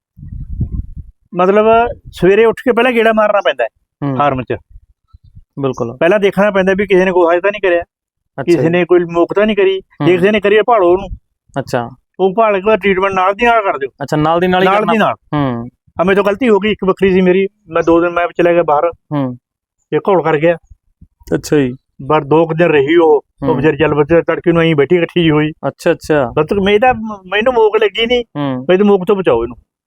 Speaker 2: ਮਤਲਬ ਸਵੇਰੇ ਉੱਠ ਕੇ ਪਹਿਲਾਂ ਗੇੜਾ ਮਾਰਨਾ ਪੈਂਦਾ ਹੈ ਫਾਰਮ 'ਚ। ਬਿਲਕੁਲ। ਪਹਿਲਾਂ ਦੇਖਣਾ ਪੈਂਦਾ ਵੀ ਕਿਸੇ ਨੇ ਗੋਹਾ ਤਾਂ ਨਹੀਂ ਕਰਿਆ, ਕਿਸੇ ਨੇ ਕੋਈ ਮੋਕ ਤਾਂ ਨਹੀਂ ਕਰੀ। ਜੇ ਕਿਸੇ ਨੇ ਕਰੀ ਭਾਲੋ ਉਹਨੂੰ। ਅੱਛਾ। ਉਹ ਭਾਲ ਕੇ ਟ੍ਰੀਟਮੈਂਟ ਨਾਲ ਦੀ ਨਾਲ ਕਰ ਦਿਓ। ਅੱਛਾ, ਨਾਲ ਦੀ ਨਾਲ ਨਾਲ ਦੀ ਨਾਲ। ਹੂੰ। ਆ ਮੇਰੇ ਤੋਂ ਗਲਤੀ ਹੋ ਗਈ, ਇੱਕ ਬੱਕਰੀ ਸੀ ਮੇਰੀ, ਮੈਂ ਦੋ ਦਿਨ ਮੈਂ ਚਲਾ ਗਿਆ ਬਾਹਰ, ਇਹ ਘੋਲ ਕਰ ਗਿਆ। ਅੱਛਾ ਜੀ। ਪਰ ਦੋ ਕੁ ਦਿਨ ਰਹੀ ਉਹ, ਉਹ ਵਿਚਾਰੀ ਚੱਲ ਬੱਚੇ ਤੜਕੇ ਨੂੰ ਅਸੀਂ ਬੈਠੀ ਇਕੱਠੀ ਜੀ ਹੋਈ। ਅੱਛਾ ਅੱਛਾ। ਮੈਂ ਤਾਂ ਮੈਨੂੰ ਮੋਕ ਲੱਗੀ ਨਹੀਂ, ਮੈਂ ਤਾਂ ਮੋਕ ਤੋਂ ਬਚਾਓ ਇਹਨੂੰ।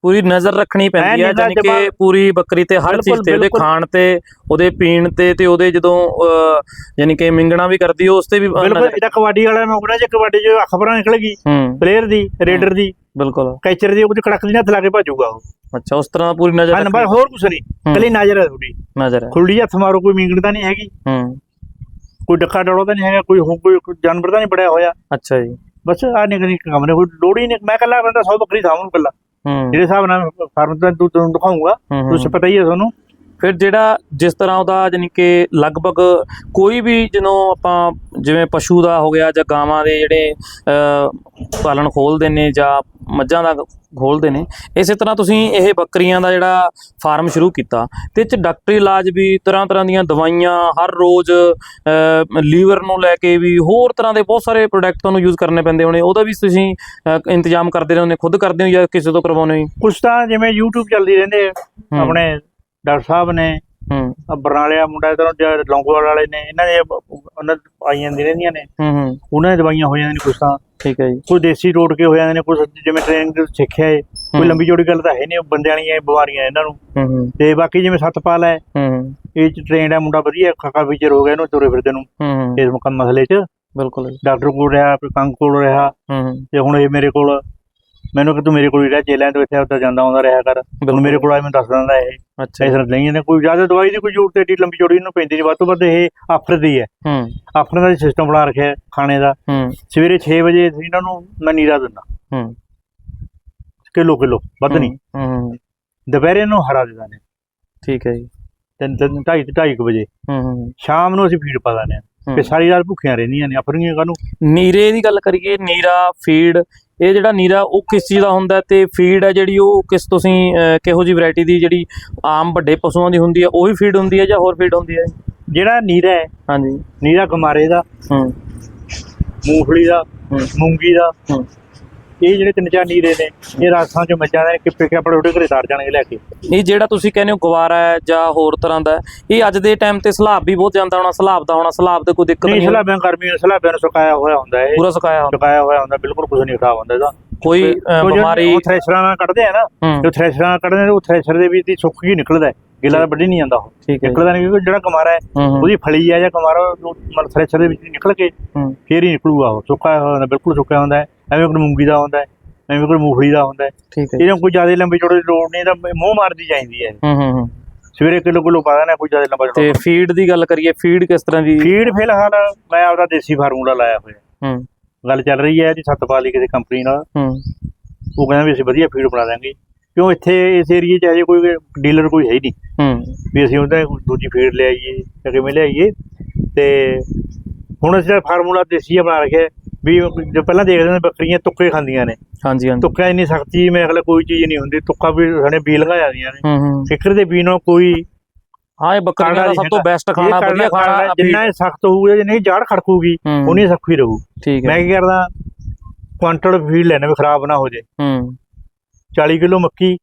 Speaker 1: ਪੂਰੀ ਨਜ਼ਰ ਰੱਖਣੀ ਪੈਂਦੀ ਹੈ, ਜਾਨੀ ਕਿ ਪੂਰੀ ਬੱਕਰੀ ਤੇ ਹਰ ਚੀਜ਼ ਤੇ, ਉਹਦੇ ਖਾਣ ਤੇ, ਉਹਦੇ ਪੀਣ ਤੇ, ਤੇ ਉਹਦੇ ਜਦੋਂ ਯਾਨੀ ਕਿ ਮਿੰਗਣਾ ਵੀ ਕਰਦੀ ਉਸ ਤੇ ਵੀ।
Speaker 2: ਬਿਲਕੁਲ ਇਹਦਾ ਕਬੱਡੀ ਵਾਲਾ ਨੌਕਰਾ ਜੇ ਕਬੱਡੀ ਚ ਖਬਰਾਂ ਨਿਕਲ ਗਈ ਪਲੇਅਰ ਦੀ, ਰੇਡਰ ਦੀ,
Speaker 1: ਬਿਲਕੁਲ
Speaker 2: ਕੈਚਰ ਦੀ, ਉਹ ਕੜਕ ਦੀ ਹੱਥ ਲਾ ਕੇ ਭੱਜੂਗਾ ਉਹ।
Speaker 1: ਅੱਛਾ, ਉਸ ਤਰ੍ਹਾਂ ਪੂਰੀ ਨਜ਼ਰ
Speaker 2: ਨੰਬਰ ਹੋਰ ਕੁਛ ਨਹੀਂ, ਕੱਲੀ ਨਜ਼ਰ ਹੈ ਤੁਹਾਡੀ,
Speaker 1: ਨਜ਼ਰ ਹੈ।
Speaker 2: ਖੁੱਲੀ ਹੱਥ ਮਾਰੋ, ਕੋਈ ਮਿੰਗਣ ਤਾਂ ਨਹੀਂ ਹੈਗੀ, ਕੋਈ ਡੱਕਾ ਡੋੜਾ ਤਾਂ ਨਹੀਂ ਹੈਗਾ, ਕੋਈ ਕੋਈ ਜਾਨਵਰ ਤਾਂ ਨਹੀਂ ਬੜਿਆ ਹੋਇਆ।
Speaker 1: ਅੱਛਾ ਜੀ,
Speaker 2: ਬਸ ਆਹ ਨਿੱਕੇ ਨਿੱਕੇ ਕੰਮ ਨੇ, ਕੋਈ ਲੋੜ ਹੀ ਨਹੀਂ। ਮੈਂ ਕੱਲਾ ਬੰਦਾ ਸੌ ਬੱਕਰੀ ਸਾਂਭੂ ਕੱਲਾ, ਜਿਹੜੇ ਹਿਸਾਬ ਨਾਲ ਫਾਰਮ ਤੋਂ ਤੂੰ ਤੁਹਾਨੂੰ ਦਿਖਾਊਂਗਾ, ਤੁਸੀਂ ਪਤਾ ਹੀ ਹੈ ਤੁਹਾਨੂੰ।
Speaker 1: ਫਿਰ ਜਿਹੜਾ ਜਿਸ ਤਰ੍ਹਾਂ ਉਹਦਾ ਜਾਨੀ ਕਿ ਲਗਭਗ ਕੋਈ ਵੀ ਜਦੋਂ ਆਪਾਂ ਜਿਵੇਂ ਪਸ਼ੂ ਦਾ ਹੋ ਗਿਆ ਜਾਂ ਗਾਵਾਂ ਦੇ ਜਿਹੜੇ ਪਾਲਣ ਖੋਲ੍ਹਦੇ ਨੇ ਜਾਂ ਮੱਝਾਂ ਦਾ ਖੋਲ੍ਹਦੇ ਨੇ, ਇਸੇ ਤਰ੍ਹਾਂ ਤੁਸੀਂ ਇਹ ਬੱਕਰੀਆਂ ਦਾ ਜਿਹੜਾ ਫਾਰਮ ਸ਼ੁਰੂ ਕੀਤਾ ਤੇ ਇਹ 'ਚ ਡਾਕਟਰੀ ਇਲਾਜ ਵੀ, ਤਰ੍ਹਾਂ ਤਰ੍ਹਾਂ ਦੀਆਂ ਦਵਾਈਆਂ ਹਰ ਰੋਜ਼, ਲੀਵਰ ਨੂੰ ਲੈ ਕੇ ਵੀ ਹੋਰ ਤਰ੍ਹਾਂ ਦੇ ਬਹੁਤ ਸਾਰੇ ਪ੍ਰੋਡਕਟ ਤੁਹਾਨੂੰ ਯੂਜ਼ ਕਰਨੇ ਪੈਂਦੇ ਹੋਣੇ, ਉਹਦਾ ਵੀ ਤੁਸੀਂ ਇੰਤਜ਼ਾਮ ਕਰਦੇ ਰਹਿੰਦੇ, ਖੁਦ ਕਰਦੇ ਹੋ ਜਾਂ ਕਿਸੇ ਤੋਂ ਕਰਵਾਉਂਦੇ ਹੋ?
Speaker 2: ਕੁਛ ਤਾਂ ਜਿਵੇਂ ਯੂਟਿਊਬ ਚੱਲਦੀ ਰਹਿੰਦੇ ਆਪਣੇ ਡਾਕਟਰ ਸਾਹਿਬ ਨੇ, ਬਰਨਾਲੇ ਆ ਮੁੰਡਾ ਇੱਧਰੋਂ ਲੌਂਗੋਵਾਲ ਵਾਲੇ ਨੇ, ਇਹਨਾਂ ਦੇ ਉਹਨਾਂ ਆਈ ਜਾਂਦੀਆਂ ਰਹਿੰਦੀਆਂ ਨੇ, ਉਹਨਾਂ ਦੀਆਂ ਦਵਾਈਆਂ ਹੋ ਜਾਂਦੀਆਂ ਨੇ ਕੁਛ ਤਾਂ। ਠੀਕ ਹੈ ਜੀ। ਕੋਈ ਦੇਸੀ ਟੋਟ ਕੇ ਹੋ ਜਾਂਦੇ ਨੇ, ਕੁਛ ਜਿਵੇਂ ਟ੍ਰੇਨਿੰਗ ਸਿੱਖਿਆ ਏ, ਕੋਈ ਲੰਬੀ ਚੌੜੀ ਗੱਲ ਤਾਂ ਹੈ ਨਹੀਂ, ਬੰਦਿਆਂ ਵਾਲੀਆਂ ਬਿਮਾਰੀਆਂ ਇਹਨਾਂ ਨੂੰ। ਤੇ ਬਾਕੀ ਜਿਵੇਂ ਸਤਪਾਲ ਹੈ, ਇਹ ਚ ਟ੍ਰੇਨਡ ਹੈ ਮੁੰਡਾ, ਵਧੀਆ ਕਾਕਾ ਫੀਚਰ ਹੋ ਗਿਆ ਇਹਨੂੰ ਤੁਰੇ ਫਿਰਦੇ ਨੂੰ ਇਸ ਮਸਲੇ ਚ। ਬਿਲਕੁਲ, ਡਾਕਟਰ ਕੋਲ ਰਿਹਾ, ਕੰਗ ਕੋਲ ਰਿਹਾ, ਤੇ ਹੁਣ ਇਹ ਮੇਰੇ ਕੋਲ, ਮੈਨੂੰ ਕਿ ਤੂੰ ਮੇਰੇ ਕੋਲ ਹੀ ਰਹਿ, ਜੇਲਾਂ ਤੋਂ ਇੱਥੇ ਉੱਧਰ ਜਾਂਦਾ ਆਉਂਦਾ ਰਿਹਾ ਕਰ, ਹੁਣ ਮੇਰੇ ਕੋਲ ਆ, ਮੈਨੂੰ ਦੱਸ ਦਿੰਦਾ ਇਹ। ਅੱਛਾ, ਇਸ ਤਰ੍ਹਾਂ ਨਹੀਂ ਇਹਨੇ ਕੋਈ ਜ਼ਿਆਦਾ ਦਵਾਈ ਦੀ ਕੋਈ ਜ਼ਰੂਰਤ ਏਡੀ ਲੰਬੀ ਚੌੜੀ ਇਹਨੂੰ ਪੈਂਦੀ ਨਹੀਂ, ਵੱਧ ਤੋਂ ਵੱਧ ਇਹ ਆਫਰ ਦੀ ਹੈ। ਆਫਰ ਦਾ ਸਿਸਟਮ ਬਣਾ ਰੱਖਿਆ ਖਾਣੇ ਦਾ। ਸਵੇਰੇ ਛੇ ਵਜੇ ਇਹਨਾਂ ਨੂੰ ਮੈਂ ਨੀਰਾ ਦਿੰਦਾ, ਕਿਲੋ ਕਿਲੋ, ਵੱਧ ਨਹੀਂ। ਦੁਪਹਿਰੇ ਨੂੰ ਹਰਾ ਦੇ ਦਿੰਦੇ। ਠੀਕ ਹੈ ਜੀ। ਤਿੰਨ ਤਿੰਨ ਢਾਈ ਢਾਈ ਕੁ ਵਜੇ ਸ਼ਾਮ ਨੂੰ ਅਸੀਂ ਫੀਡ ਪਾ ਦਿੰਦੇ ਹਾਂ, ਤੇ ਸਾਰੀ ਰਾਤ ਭੁੱਖੀਆਂ ਰਹਿੰਦੀਆਂ ਨੇ ਆਪਣੀਆਂ। ਕਾਹਨੂੰ
Speaker 1: ਨੀਰੇ ਦੀ ਗੱਲ ਕਰੀਏ, ਨੀਰਾ ਫੀਡ, ਇਹ ਜਿਹੜਾ ਨੀਰਾ ਉਹ ਕਿਸ ਚੀਜ਼ ਦਾ ਹੁੰਦਾ ਤੇ ਫੀਡ ਹੈ ਜਿਹੜੀ ਉਹ ਕਿਸ ਤੁਸੀਂ ਕਿਹੋ ਜਿਹੀ ਵੈਰਾਈਟੀ ਦੀ, ਜਿਹੜੀ ਆਮ ਵੱਡੇ ਪਸ਼ੂਆਂ ਦੀ ਹੁੰਦੀ ਹੈ ਉਹੀ ਫੀਡ ਹੁੰਦੀ ਹੈ ਜਾਂ ਹੋਰ ਫੀਡ ਹੁੰਦੀ ਹੈ? ਜਿਹੜਾ ਨੀਰਾ ਹੈ, ਹਾਂਜੀ, ਨੀਰਾ ਗਮਾਰੇ ਦਾ, ਮੂੰਗਫਲੀ ਦਾ, ਮੂੰਗੀ ਦਾ, ਇਹ ਜਿਹੜੇ ਤਿੰਨ ਚਾਰ ਨੀਰੇ ਨੇ, ਇਹ ਰਾਸਾਂ ਚੋਂ ਮੱਝਾਂ ਦੇ ਕਿੱਪੇ ਕੇ ਆਪਣੇ ਉਹਦੇ ਘਰੇ ਤਾਰ ਜਾਣਗੇ ਲੈ ਕੇ। ਇਹ ਜਿਹੜਾ ਤੁਸੀਂ ਕਹਿੰਦੇ ਹੋ ਗਵਾਰਾ ਹੈ ਜਾਂ ਹੋਰ ਤਰ੍ਹਾਂ ਦਾ, ਇਹ ਅੱਜ ਦੇ ਟਾਈਮ ਤੇ ਸਲਾਬ ਵੀ ਬਹੁਤ ਜਾਂਦਾ ਹੋਣਾ, ਸਲਾਬ ਦਾ ਹੋਣਾ, ਸਲਾਬ ਤੇ ਕੋਈ ਦਿੱਕਤ ਨਹੀਂ? ਸਲਾਬਾਂ ਗਰਮੀਆਂ ਸਲਾਬਾਂ ਨੂੰ ਸੁਕਾਇਆ ਹੋਇਆ ਹੁੰਦਾ ਹੈ, ਪੂਰਾ ਸੁਕਾਇਆ ਸੁਕਾਇਆ ਹੋਇਆ ਹੁੰਦਾ, ਬਿਲਕੁਲ ਕੁਝ ਨਹੀਂ ਖਰਾਬ ਹੁੰਦਾ ਇਹਦਾ। ਕੋਈ ਬਿਮਾਰੀ ਥ੍ਰੈਸ਼ਰਾਂ ਨਾਲ ਕੱਢਦੇ ਆ ਨਾ, ਜੋ ਥ੍ਰੈਸ਼ਰਾਂ ਨਾਲ ਕੱਢਦੇ ਉਹ ਥ੍ਰੈਸ਼ਰ ਦੇ ਵਿੱਚ ਸੁੱਕ ਹੀ ਨਿਕਲਦਾ, ਗਿੱਲਾ ਤਾਂ ਵੱਢੀ ਨਹੀਂ ਜਾਂਦਾ ਉਹ, ਨਿਕਲਦਾ ਨਹੀਂ, ਕਿਉਂਕਿ ਜਿਹੜਾ ਕਮਾਰਾ ਹੈ ਉਹਦੀ ਫਲੀ ਹੈ ਜਾਂ ਕਮਾਰਾ ਮਤਲਬ ਥ੍ਰੈਸ਼ਰ ਦੇ ਵਿੱਚ ਨਿਕਲ ਕੇ ਫੇਰ ਹੀ ਨਿਕਲੂਗਾ ਉਹ, ਸੁੱਕਾ ਹੋਇਆ ਹੁੰਦਾ, ਬਿਲਕੁਲ ਸੁੱਕਿਆ ਹੁੰਦਾ ਹੈ। ਐਵੇਂ ਕੋਈ ਮੂੰਗੀ ਦਾ ਹੁੰਦਾ, ਐਵੇਂ ਕੋਈ ਮੂੰਗਫਲੀ ਦਾ ਹੁੰਦਾ, ਇਹਨਾਂ ਕੋਈ ਜ਼ਿਆਦਾ ਲੰਬੀ ਚੌੜੀ ਲੋੜ ਨਹੀਂ, ਤਾਂ ਮੂੰਹ ਮਾਰਦੀ ਚਾਹੀਦੀ ਹੈ। ਸਵੇਰੇ ਕਿਲੋ ਕਿਲੋ ਪਾ ਦੇਣਾ, ਕੋਈ ਜ਼ਿਆਦਾ ਲੰਬਾ। ਤੇ ਫੀਡ ਦੀ ਗੱਲ ਕਰੀਏ, ਫੀਡ ਕਿਸ ਤਰ੍ਹਾਂ ਦੀ? ਫੀਡ ਫਿਲਹਾਲ ਮੈਂ ਆਪਦਾ ਦੇਸੀ ਫਾਰਮੂਲਾ ਲਾਇਆ ਹੋਇਆ, ਗੱਲ ਚੱਲ ਰਹੀ ਹੈ ਜੀ ਸਤਪਾਲ ਕਿਸੇ ਕੰਪਨੀ ਨਾਲ, ਉਹ ਕਹਿੰਦਾ ਵੀ ਅਸੀਂ ਵਧੀਆ ਫੀਡ ਬਣਾ ਦਾਂਗੇ, ਕਿਉਂ ਇੱਥੇ ਇਸ ਏਰੀਏ 'ਚ ਅਜੇ ਕੋਈ ਡੀਲਰ ਕੋਈ ਹੈ ਹੀ ਨਹੀਂ ਵੀ ਅਸੀਂ ਉਹਦਾ ਦੂਜੀ ਫੀਡ ਲਿਆਈਏ ਜਾਂ ਕਿਵੇਂ ਲਿਆਈਏ। ਤੇ ਹੁਣ ਅਸੀਂ ਫਾਰਮੂਲਾ ਦੇਸੀ ਬਣਾ ਰੱਖਿਆ ਵੀ ਜੋ ਪਹਿਲਾਂ ਦੇਖਦੇ ਨੇ ਬੱਕਰੀਆਂ ਤੁੱਕੇ ਖਾਂਦੀਆਂ ਨੇ, ਹਾਂਜੀ ਹਾਂਜੀ, ਤੁੱਕਾ ਇੰਨੀ ਸਖਤੀ ਮੇਰੇ ਖਿਆਲ ਕੋਈ ਚੀਜ਼ ਨਹੀਂ ਹੁੰਦੀ, ਤੁੱਕਾ ਵੀ ਸਾਡੇ ਬੀ ਲਗਾ ਜਾਂਦੀਆਂ ਨੇ, ਫਿਕਰ ਦੇ ਬੀ ਨਾਲ ਕੋਈ। ਹਾਂ, ਇਹ ਬੱਕਰੀਆਂ ਦਾ ਸਭ ਤੋਂ ਬੈਸਟ ਖਾਣਾ, ਵਧੀਆ ਖਾਣਾ, ਜਿੰਨਾ ਇਹ ਸਖਤ ਹੋਊਗਾ, ਜੇ ਨਹੀਂ ਜਾੜ ਖੜਕੂਗੀ ਉਨੀ ਸੌਖੀ ਰਹੂ। ਠੀਕ ਹੈ। ਮੈਂ ਕੀ ਕਰਦਾ, ਕੁਆਂਟਲ ਫੀਡ ਲੈਣਾ ਵੀ ਖਰਾਬ ਨਾ ਹੋ ਜੇ, ਚਾਲੀ ਕਿਲੋ ਮੱਕੀ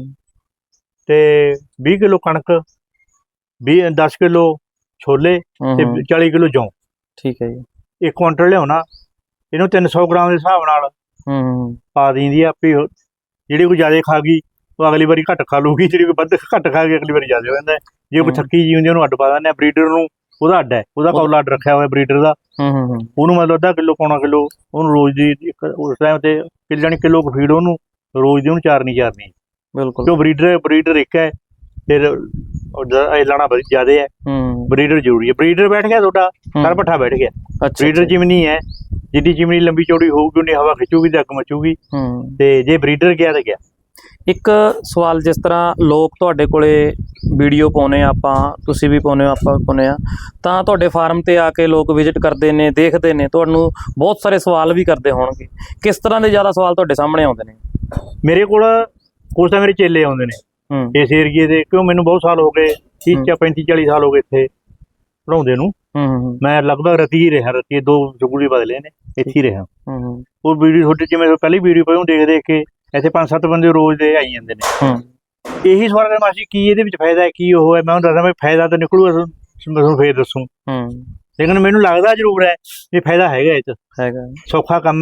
Speaker 1: ਤੇ ਵੀਹ ਕਿਲੋ ਕਣਕ, ਵੀਹ ਦਸ ਕਿਲੋ ਛੋਲੇ ਤੇ ਚਾਲੀ ਕਿਲੋ ਜੌਂ। ਠੀਕ ਹੈ ਜੀ। ਇੱਕ ਕੁਆਂਟਲ ਲਿਆਉਣਾ, ਇਹਨੂੰ ਤਿੰਨ ਸੌ ਗ੍ਰਾਮ ਦੇ ਹਿਸਾਬ ਨਾਲ ਪਾ ਦਿੰਦੀ ਆ ਆਪੇ, ਜਿਹੜੀ ਕੋਈ ਜ਼ਿਆਦਾ ਖਾ ਗਈ ਉਹ ਅਗਲੀ ਵਾਰੀ ਘੱਟ ਖਾ ਲੂਗੀ, ਜਿਹੜੀ ਕੋਈ ਵੱਧ ਘੱਟ ਖਾ ਗਈ ਅਗਲੀ ਵਾਰੀ ਜ਼ਿਆਦਾ ਹੋ ਜਾਂਦਾ। ਜੇ ਕੋਈ ਥੱਕੀ ਜੀ ਹੁੰਦੀ ਉਹਨੂੰ ਅੱਡ ਪਾ ਦਿੰਦੇ ਆ, ਬਰੀਡਰ ਨੂੰ ਉਹਦਾ ਅੱਡ ਹੈ, ਉਹਦਾ ਕੌਲਾ ਅੱਡ ਰੱਖਿਆ ਹੋਇਆ ਬਰੀਡਰ ਦਾ, ਉਹਨੂੰ ਮਤਲਬ ਅੱਧਾ ਕਿਲੋ ਪੌਣਾ ਕਿਲੋ ਉਹਨੂੰ ਰੋਜ਼ ਦੀ ਇੱਕ ਉਸ ਟਾਈਮ ਤੇ ਕਿਲ ਜਾਣੀ ਕਿਲੋ ਕੁ ਫੀਡ ਉਹਨੂੰ ਰੋਜ਼ ਦੀ ਉਹਨੂੰ ਚਾਰਨੀ ਚਾਰਨੀ। ਬਿਲਕੁਲ, ਕਿਉਂ ਬਰੀਡਰ ਬਰੀਡਰ ਇੱਕ ਹੈ, ਫਿਰ ਇਹ ਲਾਣਾ ਜ਼ਿਆਦਾ ਹੈ, ਬਰੀਡਰ ਜ਼ਰੂਰੀ ਹੈ। ਬਰੀਡਰ ਬੈਠ ਗਿਆ ਤੁਹਾਡਾ, ਸਰ ਪੱਠਾ ਬੈਠ ਗਿਆ। ਬਰੀਡਰ ਚਿਮਨੀ ਹੈ, ਜਿੱਡੀ ਚਿਮਨੀ ਲੰਬੀ ਚੌੜੀ ਹੋਊਗੀ ਉਨੀ ਹਵਾ ਖਿੱਚੂਗੀ ਤੇ ਅੱਗ ਮਚੂਗੀ, ਤੇ ਜੇ ਬਰੀਡਰ ਗਿਆ ਤਾਂ ਗਿਆ। ਇੱਕ ਸਵਾਲ, ਜਿਸ ਤਰ੍ਹਾਂ ਲੋਕ ਤੁਹਾਡੇ ਕੋਲੇ ਵੀਡੀਓ ਪਾਉਂਦੇ ਆ, ਆਪਾਂ ਤੁਸੀਂ ਵੀ ਪਾਉਂਦੇ ਹੋ, ਆਪਾਂ ਵੀ ਪਾਉਂਦੇ ਹਾਂ, ਤਾਂ ਤੁਹਾਡੇ ਫਾਰਮ 'ਤੇ ਆ ਕੇ ਲੋਕ ਵਿਜ਼ਿਟ ਕਰਦੇ ਨੇ, ਦੇਖਦੇ ਨੇ, ਤੁਹਾਨੂੰ ਬਹੁਤ ਸਾਰੇ ਸਵਾਲ ਵੀ ਕਰਦੇ ਹੋਣਗੇ। ਕਿਸ ਤਰ੍ਹਾਂ ਦੇ ਜ਼ਿਆਦਾ ਸਵਾਲ ਤੁਹਾਡੇ ਸਾਹਮਣੇ ਆਉਂਦੇ ਨੇ? ਮੇਰੇ ਕੋਲ ਕੁਛ ਤਾਂ ਮੇਰੇ ਚੇਲੇ ਆਉਂਦੇ ਨੇ ਇਸ ਏਰੀਏ ਦੇ, ਕਿਉਂ ਮੈਨੂੰ ਬਹੁਤ ਸਾਲ ਹੋ ਗਏ, ਤੀਹ ਪੈਂਤੀ ਚਾਲੀ ਸਾਲ ਹੋ ਗਏ ਇੱਥੇ ਪੜ੍ਹਾਉਂਦੇ ਨੂੰ। ਮੈਂ ਲਗਭਗ ਰਤੀ ਹੀ ਰਿਹਾ, ਰਤੀ ਦੋ ਸਕੂਲ ਵੀ ਬਦਲੇ ਨੇ, ਇੱਥੇ ਹੀ ਰਿਹਾ। ਉਹ ਵੀਡੀਓ ਤੁਹਾਡੀ ਜਿਵੇਂ ਪਹਿਲੀ ਵੀਡੀਓ ਪਈ ਦੇਖ ਦੇਖ ਕੇ ਇੱਥੇ ਪੰਜ ਸੱਤ ਬੰਦੇ ਰੋਜ਼ ਦੇ ਆਈ ਜਾਂਦੇ ਨੇ। ਇਹੀ ਸਵਾਲ ਕਰ ਮਾਸੀ ਕੀ ਇਹਦੇ ਵਿੱਚ ਫਾਇਦਾ ਹੈ, ਕੀ ਉਹ ਹੈ? ਮੈਂ ਉਹਨੂੰ ਦੱਸਦਾ ਵੀ ਫਾਇਦਾ ਤਾਂ ਨਿਕਲੂਗਾ, ਤੁਹਾਨੂੰ ਫੇਰ ਦੱਸੂ। ਲੇਕਿਨ ਮੈਨੂੰ ਲੱਗਦਾ ਜ਼ਰੂਰ ਹੈ ਵੀ ਫਾਇਦਾ ਹੈਗਾ, ਇਹ 'ਚ ਹੈਗਾ, ਸੌਖਾ ਕੰਮ ਹੈ,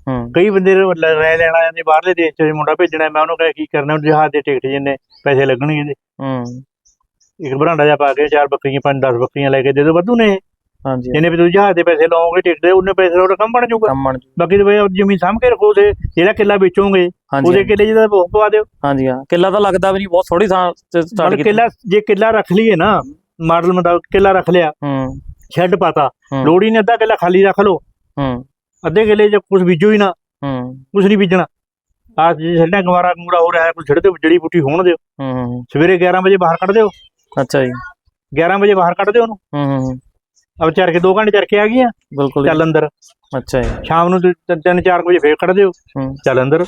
Speaker 1: ਹੂੰ
Speaker 2: ਕਈ ਬੰਦੇ ਰਾਇ ਲੈਣ ਆ ਜਾਂਦੇ ਬਾਹਰਲੇ ਦੇਸ਼ ਚ ਮੁੰਡਾ ਭੇਜਣਾ, ਮੈਂ ਉਹਨੂੰ ਕਹਾਂ ਕੀ ਕਰਨਾ, ਜਹਾਜ਼ ਦੇ ਟਿਕਟ ਜਿੰਨੇ ਪੈਸੇ ਲੱਗਣਗੇ ਇਹਦੇ,
Speaker 1: ਹੂੰ
Speaker 2: ਇੱਕ ਬਰਾਂਡਾ ਜਾ ਪਾ ਕੇ ਚਾਰ ਬੱਕਰੀਆਂ ਪੰਜ ਦਸ ਬੱਕਰੀਆਂ ਲੈ ਕੇ ਦੇ ਦਿਓ, ਵਾਧੂ ਨੇ ਇਹ।
Speaker 1: ਹਾਂਜੀ
Speaker 2: ਜਿੰਨੇ ਵੀ ਤੁਸੀਂ ਜਹਾਜ਼ ਦੇ ਪੈਸੇ ਲਾਓਗੇ ਟਿਕਟ ਦੇ, ਉਹਨੇ ਪੈਸੇ ਦਾ ਉਹਦਾ ਕੰਮ ਬਣ ਜਾਊਗਾ।
Speaker 1: ਕੰਮ ਬਣ ਜੂ।
Speaker 2: ਬਾਕੀ ਤੇ ਬਈ ਜ਼ਮੀਨ ਸਾਂਭ ਕੇ ਰੱਖੋ, ਤੇ ਜਿਹੜਾ ਕਿੱਲਾ ਵੇਚੋਗੇ
Speaker 1: ਹਾਂਜੀ
Speaker 2: ਉਹਦੇ ਕਿੱਲੇ ਜਿਹਦਾ ਉਹ ਪਵਾ ਦਿਓ।
Speaker 1: ਹਾਂਜੀ ਹਾਂ, ਕਿੱਲਾ ਤਾਂ ਲੱਗਦਾ ਵੀ ਨਹੀਂ, ਬਹੁਤ ਥੋੜੀ ਥਾਂ ਸਟਾਰਟ
Speaker 2: ਮਤਲਬ
Speaker 1: ਕੀਤਾ।
Speaker 2: ਕਿੱਲਾ ਜੇ ਕਿੱਲਾ ਰੱਖ ਲਈਏ ਨਾ, ਮਾਡਲ ਮੁਤਾਬਕ ਕਿੱਲਾ ਰੱਖ ਲਿਆ,
Speaker 1: ਹੂੰ
Speaker 2: ਸ਼ੈੱਡ ਪਾਤਾ,
Speaker 1: ਹੂੰ।
Speaker 2: ਲੋੜ ਹੀ ਨਹੀਂ ਅੱਧਾ ਕਿੱਲਾ ਖਾਲੀ ਰੱਖ ਲਓ,
Speaker 1: ਹੂੰ
Speaker 2: ਅੱਧੇ ਕਿੱਲੇ ਚ ਕੁਝ ਬੀਜੋ ਹੀ ਨਾ,
Speaker 1: ਹੂੰ
Speaker 2: ਕੁਝ ਨਹੀਂ ਬੀਜਣਾ। ਆਹ ਜੇ ਛੱਡਿਆ ਗਵਾਰਾ ਗੂੜਾ ਹੋ ਰਿਹਾ ਹੈ, ਕੁਝ ਛੱਡ ਦਿਓ, ਜੜੀ ਬੂਟੀ ਹੋਣ ਦਿਓ,
Speaker 1: ਹੂੰ।
Speaker 2: ਸਵੇਰੇ ਗਿਆਰਾਂ ਵਜੇ ਬਾਹਰ ਕੱਢ ਦਿਓ,
Speaker 1: ਅੱਛਾ ਜੀ।
Speaker 2: ਗਿਆਰਾਂ ਵਜੇ ਬਾਹਰ ਕੱਢ ਦਿਓ ਉਹਨੂੰ,
Speaker 1: ਹੂੰ ਹੂੰ
Speaker 2: ਅਬ ਚਰ ਕੇ ਦੋ ਘੰਟੇ ਚਰ ਕੇ ਆ ਗਈਆਂ,
Speaker 1: ਬਿਲਕੁਲ
Speaker 2: ਚੱਲ ਅੰਦਰ।
Speaker 1: ਅੱਛਾ ਜੀ।
Speaker 2: ਸ਼ਾਮ ਨੂੰ ਤਿੰਨ ਤਿੰਨ ਚਾਰ ਵਜੇ ਫੇਰ ਕੱਢ ਦਿਓ,
Speaker 1: ਹੂੰ
Speaker 2: ਚੱਲ ਅੰਦਰ।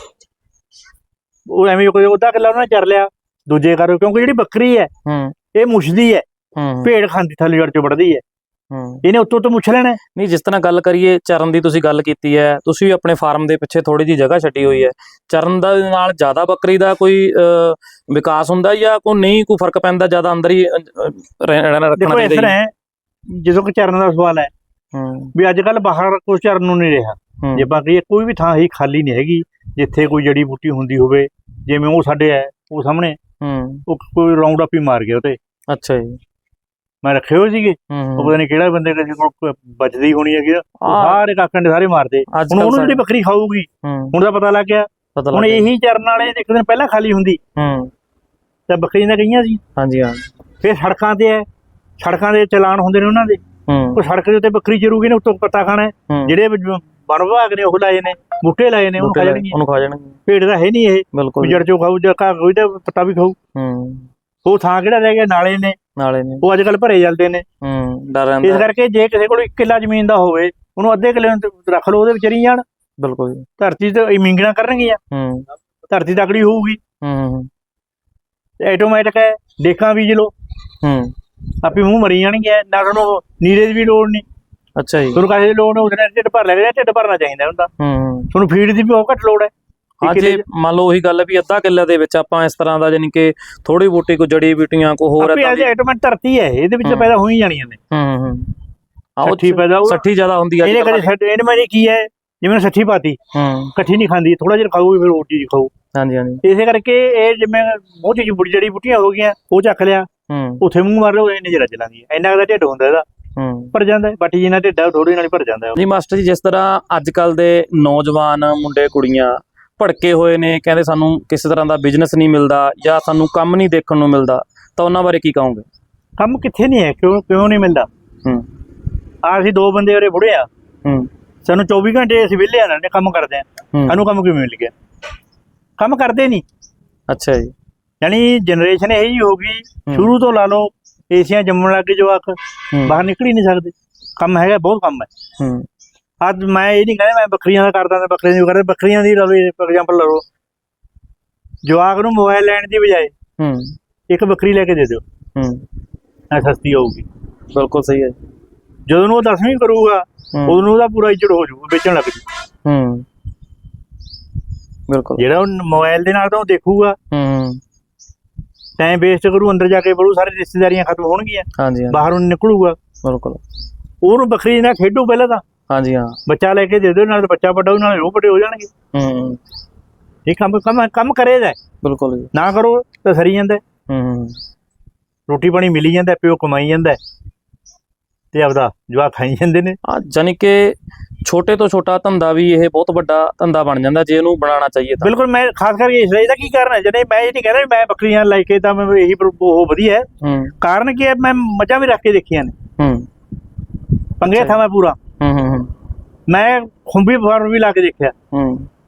Speaker 2: ਉਹ ਐਵੇਂ ਕੋਈ ਅੱਧਾ ਕਿੱਲਾ ਉਹਨਾਂ ਨੇ ਚਰ ਲਿਆ, ਦੂਜੇ ਕਰੋ, ਕਿਉਂਕਿ ਜਿਹੜੀ ਬੱਕਰੀ ਹੈ
Speaker 1: ਹੂੰ
Speaker 2: ਇਹ ਮੁੱਛਦੀ ਹੈ,
Speaker 1: ਹੂੰ
Speaker 2: ਭੇਡ ਖਾਂਦੀ ਥੱਲੇ ਜੜ ਚੋਂ ਵੜਦੀ ਹੈ,
Speaker 1: ਹੂੰ।
Speaker 2: ਇਹਨੇ ਉੱਤੋਂ ਤੋਂ ਮੁੱਛ ਲੈਣਾ।
Speaker 1: ਨਹੀਂ, ਜਿਸ ਤਰ੍ਹਾਂ ਗੱਲ ਕਰੀਏ ਚਰਨ ਦੀ, ਤੁਸੀਂ ਗੱਲ ਕੀਤੀ ਹੈ, ਤੁਸੀਂ ਵੀ ਆਪਣੇ ਫਾਰਮ ਦੇ ਪਿੱਛੇ ਥੋੜੀ ਜਿਹੀ ਜਗ੍ਹਾ ਛੱਡੀ ਹੋਈ ਹੈ, ਚਰਨ ਦਾ ਨਾਲ ਜ਼ਿਆਦਾ ਬੱਕਰੀ ਦਾ ਕੋਈ ਅਹ, ਵਿਕਾਸ ਹੁੰਦਾ ਜਾਂ ਕੋਈ ਨਹੀਂ, ਕੋਈ ਫਰਕ ਪੈਂਦਾ, ਜ਼ਿਆਦਾ ਅੰਦਰ ਹੀ ਅਹ, ਰਹਿ- ਰਹਿਣਾ ਰੱਖਣਾ
Speaker 2: ਦੇਖੋ ਇਸ
Speaker 1: ਚਾਹੀਦਾ
Speaker 2: ਤਰ੍ਹਾਂ
Speaker 1: ਜੀ?
Speaker 2: ਹੈ, ਜਦੋਂ ਕਿ ਚਰਨ ਦਾ ਸਵਾਲ ਹੈ
Speaker 1: ਹੂੰ
Speaker 2: ਵੀ ਅੱਜ ਕੱਲ ਬਾਹਰ ਕੋਈ ਚਰਨ ਨੂੰ ਨਹੀਂ ਰਿਹਾ।
Speaker 1: ਹੂੰ
Speaker 2: ਜੇ ਆਪਾਂ ਕਹੀਏ ਕੋਈ ਵੀ ਥਾਂ ਹੀ ਖਾਲੀ ਨਹੀਂ ਹੈਗੀ ਜਿੱਥੇ ਕੋਈ ਜੜੀ ਬੂਟੀ ਹੁੰਦੀ ਹੋਵੇ, ਜਿਵੇਂ ਉਹ ਸਾਡੇ ਹੈ ਉਹ ਸਾਹਮਣੇ,
Speaker 1: ਹੂੰ।
Speaker 2: ਉਹ ਕੋਈ ਰਾਉਂਡ ਅਪ ਹੀ ਮਾਰ ਗਿਆ ਉਹਤੇ,
Speaker 1: ਅੱਛਾ ਜੀ।
Speaker 2: ਮੈਂ ਰੱਖੇ ਹੋਏ ਸੀਗੇ,
Speaker 1: ਹੂੰ
Speaker 2: ਉਹ
Speaker 1: ਹੂੰ।
Speaker 2: ਪਤਾ ਨਹੀਂ ਕਿਹੜਾ ਬੰਦੇ ਕਿਸੇ ਕੋਲ ਬਚਦੀ ਹੋਣੀ ਹੈਗੀ, ਉਹ
Speaker 1: ਹਾਂ।
Speaker 2: ਸਾਰੇ ਕਾਕਾਂ ਦੇ ਸਾਰੇ ਮਾਰਦੇ।
Speaker 1: ਅੱਜ
Speaker 2: ਹੁਣ
Speaker 1: ਕੱਲ੍ਹ
Speaker 2: ਉਹਨੂੰ ਜਿਹੜੀ
Speaker 1: ਸਾਡੇ-
Speaker 2: ਬੱਕਰੀ ਖਾਊਗੀ
Speaker 1: ਹੂੰ
Speaker 2: ਹੁਣ ਤਾਂ ਪਤਾ ਲੱਗ ਗਿਆ।
Speaker 1: ਪਤਾ
Speaker 2: ਹੁਣ
Speaker 1: ਲੱਗ ਗਿਆ।
Speaker 2: ਇਹੀ ਚਰਨ ਵਾਲੇ ਇੱਕ ਦਿਨ ਪਹਿਲਾਂ ਖਾਲੀ ਹੁੰਦੀ
Speaker 1: ਹੂੰ
Speaker 2: ਤਾਂ ਬੱਕਰੀਆਂ ਤਾਂ ਗਈਆਂ ਸੀ,
Speaker 1: ਹਾਂਜੀ ਹਾਂ।
Speaker 2: ਫਿਰ ਸੜਕਾਂ ਤੇ ਹੈ, ਸੜਕਾਂ ਦੇ ਚਲਾਨ ਹੁੰਦੇ ਨੇ ਉਹਨਾਂ ਦੇ,
Speaker 1: ਹੂੰ
Speaker 2: ਉਹ ਸੜਕ ਦੇ ਉੱਤੇ ਬੱਕਰੀ ਚਰੂਗੀ ਨੇ, ਉੱਤੋਂ ਪੱਤਾ ਖਾਣਾ ਹੈ।
Speaker 1: ਹੂੰ।
Speaker 2: ਜਿਹੜੇ ਵ- ਵਣ ਵਿਭਾਗ ਨੇ ਉਹ ਲਾਏ ਨੇ, ਬੂਟੇ ਲਾਏ ਨੇ, ਉਹਨੂੰ
Speaker 1: ਬੂਟੇ
Speaker 2: ਖਾ
Speaker 1: ਲਾਏ,
Speaker 2: ਜਾਣਗੇ।
Speaker 1: ਉਹਨੂੰ ਖਾ ਜਾਣਗੇ,
Speaker 2: ਭੇਡ ਦਾ ਹੈ ਨਹੀਂ ਇਹ,
Speaker 1: ਬਿਲਕੁਲ
Speaker 2: ਵੀ ਜੜ ਚੋਂ ਖਾਊ ਜਾਂ ਘਾਹ ਕੋਈ ਤਾਂ ਪੱਤਾ ਵੀ ਖਾਊ।
Speaker 1: ਹੂੰ।
Speaker 2: ਉਹ ਥਾਂ ਕਿਹੜਾ ਰਹਿ ਗਿਆ, ਨਾਲੇ ਨੇ,
Speaker 1: ਨਾਲੇ ਨੇ।
Speaker 2: ਉਹ ਅੱਜ ਕੱਲ ਭਰੇ ਜਾਂਦੇ ਨੇ।
Speaker 1: ਹੂੰ ਡਰ
Speaker 2: ਇਸ
Speaker 1: ਰਹਿੰਦਾ,
Speaker 2: ਕਰਕੇ ਜੇ ਕਿਸੇ ਕੋਲ ਇੱਕ ਕਿੱਲਾ ਜ਼ਮੀਨ ਦਾ ਹੋਵੇ, ਉਹਨੂੰ ਅੱਧੇ ਕਿੱਲੇ ਨੂੰ ਰੱਖ ਲਓ, ਉਹਦੇ ਵਿੱਚ ਰਹੀ ਜਾਣ।
Speaker 1: ਬਿਲਕੁਲ ਜੀ।
Speaker 2: ਧਰਤੀ ਤੇ ਇਹ ਮਿੰਗਣਾ ਕਰਨਗੀਆਂ,
Speaker 1: ਹੂੰ
Speaker 2: ਧਰਤੀ ਤਕੜੀ ਹੋਊਗੀ,
Speaker 1: ਹੂੰ
Speaker 2: ਆਟੋਮੈਟਿਕ ਹੈ, ਡੇਕਾਂ ਬੀਜ ਲਓ,
Speaker 1: ਹੂੰ।
Speaker 2: ਆਪੇ ਮੂੰਹ ਮਰੀ ਜਾਣਗੇ, ਨਾ ਤੁਹਾਨੂੰ ਨੀਰੇ ਦੀ ਵੀ ਲੋੜ ਨਹੀਂ,
Speaker 1: ਅੱਛਾ ਜੀ।
Speaker 2: ਤੁਹਾਨੂੰ ਕਾਹਦੀ ਲੋੜ ਨਹੀਂ, ਉਹਦੇ ਢਿੱਡ ਭਰ ਲੈ, ਢਿੱਡ ਭਰਨਾ ਚਾਹੀਦਾ ਹੁੰਦਾ,
Speaker 1: ਹੂੰ।
Speaker 2: ਤੁਹਾਨੂੰ ਫੀਡ ਦੀ ਵੀ ਬਹੁਤ ਘੱਟ ਲੋੜ ਹੈ।
Speaker 1: ਹਾਂ,
Speaker 2: ਇੱਕ
Speaker 1: ਜੇ
Speaker 2: ਕਿੱਲੇ 'ਚ
Speaker 1: ਮੰਨ ਲਓ ਉਹੀ ਗੱਲ ਹੈ ਵੀ ਅੱਧਾ ਕਿੱਲੇ ਦੇ ਵਿੱਚ ਆਪਾਂ ਇਸ ਤਰ੍ਹਾਂ ਦਾ ਜਾਨੀ ਕਿ ਥੋੜੀ ਬੂਟੀ ਕੋਈ ਜੜੀ ਬੂਟੀਆਂ ਕੋ ਹੋਰ
Speaker 2: ਆਪੇ
Speaker 1: ਏਦਾਂ
Speaker 2: ਅੱਜ
Speaker 1: ਦੀ।
Speaker 2: ਆਟੋਮੈਟਿਕ ਧਰਤੀ ਹੈ, ਇਹਦੇ ਵਿੱਚ
Speaker 1: ਹੂੰ।
Speaker 2: ਪੈਦਾ ਹੋ ਹੀ ਜਾਣੀਆਂ ਨੇ।
Speaker 1: ਹੂੰ ਹੂੰ। ਆਹ ਉਹ
Speaker 2: ਸੱਠੀ ਪੈਦਾ ਹੋਊ।
Speaker 1: ਸੱਠੀ ਜ਼ਿਆਦਾ ਹੁੰਦੀ ਹੈ
Speaker 2: ਇਹਨੇ ਕਦੇ ਛੱਡ, ਇਹਨੇ ਮੈਂ ਕੀ ਹੈ, ਜਿਵੇਂ ਸੱਠੀ ਪਾਤੀ,
Speaker 1: ਹੂੰ
Speaker 2: ਇਕੱਠੀ ਨਹੀਂ ਖਾਂਦੀ, ਥੋੜਾ ਜਿਹਾ ਖਾਊਗੀ ਫਿਰ ਹੋਰ ਚੀਜ਼ ਖਾਊ।
Speaker 1: ਹਾਂਜੀ ਹਾਂਜੀ।
Speaker 2: ਇਸੇ ਕਰਕੇ ਇਹ ਜਿਵੇਂ ਬਹੁਤ ਚੀਜ਼ ਬੁੜੀ ਜੜੀ ਬੂਟੀਆਂ ਹੋ ਗਈਆਂ, ਉਹ ਚੱਕ ਲਿਆ,
Speaker 1: ਹੂੰ
Speaker 2: ਉੱਥੇ ਮੂੰਹ ਮਾਰ ਲਓ, ਇਹਨੇ ਜਰਾ ਚਲਾਂਦੀ ਹੈ, ਇੰਨਾ ਕੁ ਢਿੱਡ ਹੁੰਦਾ ਇਹਦਾ,
Speaker 1: ਹੂੰ।
Speaker 2: ਭਰ ਜਾਂਦਾ ਹੈ, ਬਾਟੀ ਜਿੰਨਾ ਢਿੱਡਾ ਥੋੜੀ ਨਾਲ ਹੀ ਭਰ ਜਾਂਦਾ ਹੈ।
Speaker 1: ਜੀ ਮਾਸਟਰ ਜੀ, ਜਿਸ ਤਰ੍ਹਾਂ ਅੱਜ ਕੱਲ ਦੇ ਨੌਜਵਾਨ ਮੁੰਡੇ ਕੁੜੀਆਂ ਭੜਕੇ ਹੋਏ ਨੇ, ਕਹਿੰਦੇ ਸਾਨੂੰ ਕਿਸੇ ਤਰ੍ਹਾਂ ਦਾ ਬਿਜ਼ਨਸ ਨਹੀਂ ਮਿਲਦਾ ਜਾਂ ਸਾਨੂੰ ਕੰਮ ਨਹੀਂ ਦੇਖਣ ਨੂੰ ਮਿਲਦਾ, ਤਾਂ ਉਹਨਾਂ ਬਾਰੇ ਕੀ ਕਹੋਗੇ?
Speaker 2: ਕੰਮ ਕਿੱਥੇ ਨਹੀਂ ਹੈ, ਕਿਉਂ ਕਿਉਂ ਨਹੀਂ ਮਿਲਦਾ?
Speaker 1: ਹੂੰ
Speaker 2: ਆ ਅਸੀਂ ਦੋ ਬੰਦੇ ਉਰੇ ਬੁੜੇ ਆ,
Speaker 1: ਹੂੰ
Speaker 2: ਸਾਨੂੰ ਚੌਵੀ ਘੰਟੇ ਅਸੀਂ ਵਿਹਲੇ ਆ ਨਾ ਕੰਮ ਕਰਦੇ ਆ,
Speaker 1: ਹੂੰ।
Speaker 2: ਸਾਨੂੰ ਕੰਮ ਕਿਵੇਂ ਮਿਲ ਗਿਆ? ਕੰਮ ਕਰਦੇ ਨਹੀਂ।
Speaker 1: ਅੱਛਾ ਜੀ।
Speaker 2: ਯਾਨੀ ਜਨਰੇਸ਼ਨ ਇਹੀ ਜਿਹੀ ਹੋ ਗਈ, ਸ਼ੁਰੂ ਤੋਂ ਲਾ ਲਓ ਏਸੀਆਂ ਜੰਮਣ ਲੱਗ ਗਏ ਜਵਾਕ,
Speaker 1: ਹੂੰ
Speaker 2: ਬਾਹਰ ਨਿਕਲ ਹੀ ਨਹੀਂ ਸਕਦੇ। ਕੰਮ ਹੈਗਾ, ਬਹੁਤ ਕੰਮ ਹੈ।
Speaker 1: ਹੂੰ
Speaker 2: ਅੱਜ ਮੈਂ ਇਹ ਨਹੀਂ ਕਹਿੰਦਾ ਮੈਂ ਬੱਕਰੀਆਂ ਦਾ ਕਰਦਾ ਤਾਂ ਬੱਕਰੀਆਂ ਦੀ ਕਰਦਾ, ਬੱਕਰੀਆਂ ਦੀ ਲਾ ਲਓ ਫੋਰ ਐਗਜ਼ਾਮਪਲ ਲਾ ਲਓ, ਜਵਾਕ ਨੂੰ ਮੋਬਾਈਲ ਲੈਣ ਦੀ ਬਜਾਏ
Speaker 1: ਹੂੰ
Speaker 2: ਇੱਕ ਬੱਕਰੀ ਲੈ ਕੇ ਦੇ ਦਿਓ,
Speaker 1: ਹੂੰ।
Speaker 2: ਐ ਸਸਤੀ ਹੋਊਗੀ।
Speaker 1: ਬਿਲਕੁਲ ਸਹੀ ਹੈ।
Speaker 2: ਜਦੋਂ ਨੂੰ ਉਹ ਦਸਵੀਂ ਕਰੂਗਾ,
Speaker 1: ਹੂੰ
Speaker 2: ਉਦੋਂ ਨੂੰ ਉਹਦਾ ਪੂਰਾ ਇੱਜੜ ਹੋ ਜਾਊਗਾ, ਵੇਚਣ ਲੱਗ ਜੂ।
Speaker 1: ਹੂੰ ਬਿਲਕੁਲ।
Speaker 2: ਜਿਹੜਾ ਉਹ ਮੋਬਾਈਲ ਦੇ ਨਾਲ ਤਾਂ ਉਹ ਦੇਖੂਗਾ,
Speaker 1: ਹੂੰ
Speaker 2: ਟਾਈਮ ਵੇਸਟ ਕਰੂ, ਅੰਦਰ ਜਾ ਕੇ ਬੜੂ, ਸਾਰੇ ਰਿਸ਼ਤੇਦਾਰੀਆਂ ਖਤਮ ਹੋਣਗੀਆਂ,
Speaker 1: ਹਾਂਜੀ ਹਾਂ,
Speaker 2: ਬਾਹਰੋਂ ਨਿਕਲੂਗਾ।
Speaker 1: ਬਿਲਕੁਲ।
Speaker 2: ਉਹਨੂੰ ਬੱਕਰੀ ਨਾਲ ਖੇਡੋ ਪਹਿਲਾਂ ਤਾਂ,
Speaker 1: ਹਾਂਜੀ ਹਾਂ।
Speaker 2: ਬੱਚਾ ਲੈ ਕੇ ਦੇ ਦਿਓ, ਨਾਲ ਬੱਚਾ ਵੱਡਾ ਹੋ, ਨਾਲ ਉਹ ਵੱਡੇ ਹੋ ਜਾਣਗੇ।
Speaker 1: ਹੂੰ
Speaker 2: ਇਹ ਕੰਮ ਕੰਮ ਕੰਮ ਕਰੇਗਾ,
Speaker 1: ਬਿਲਕੁਲ ਜੀ।
Speaker 2: ਨਾ ਕਰੋ ਤਾਂ ਸਰੀ ਜਾਂਦਾ।
Speaker 1: ਹੂੰ
Speaker 2: ਰੋਟੀ ਪਾਣੀ ਮਿਲੀ ਜਾਂਦਾ, ਪਿਓ ਕਮਾਈ ਜਾਂਦਾ, ਤੇ ਆਪਦਾ ਜਵਾਕ ਖਾਈ ਜਾਂਦੇ ਨੇ।
Speaker 1: ਹਾਂ, ਜਾਨੀ ਕਿ ਛੋਟੇ ਤੋਂ ਛੋਟਾ ਧੰਦਾ ਵੀ ਇਹ ਬਹੁਤ ਵੱਡਾ ਧੰਦਾ ਬਣ ਜਾਂਦਾ ਜੇ ਇਹਨੂੰ ਬਣਾਉਣਾ ਚਾਹੀਏ ਤਾਂ।
Speaker 2: ਬਿਲਕੁਲ। ਮੈਂ ਖਾਸ ਕਰਕੇ ਇਸ ਇਹਦਾ ਕੀ ਕਾਰਨ ਹੈ, ਜਿਹੜੇ ਮੈਂ ਇਹ ਨਹੀਂ ਕਹਿੰਦਾ ਮੈਂ ਬੱਕਰੀਆਂ ਲੈ ਕੇ ਤਾਂ ਮੈਂ ਇਹੀ ਉਹ ਵਧੀਆ ਹੈ।
Speaker 1: ਹੂੰ
Speaker 2: ਕਾਰਨ ਕੀ ਹੈ, ਮੈਂ ਮੱਝਾਂ ਵੀ ਰੱਖ ਕੇ ਦੇਖੀਆਂ ਨੇ,
Speaker 1: ਹੂੰ
Speaker 2: ਪੰਗੇ ਥਾ ਮੈਂ ਪੂਰਾ,
Speaker 1: ਹੂੰ ਹੂੰ ਹੂੰ
Speaker 2: ਮੈਂ ਖੁੰਬੀ ਫਾਰਮ ਵੀ ਲਾ ਕੇ ਦੇਖਿਆ,
Speaker 1: ਹੂੰ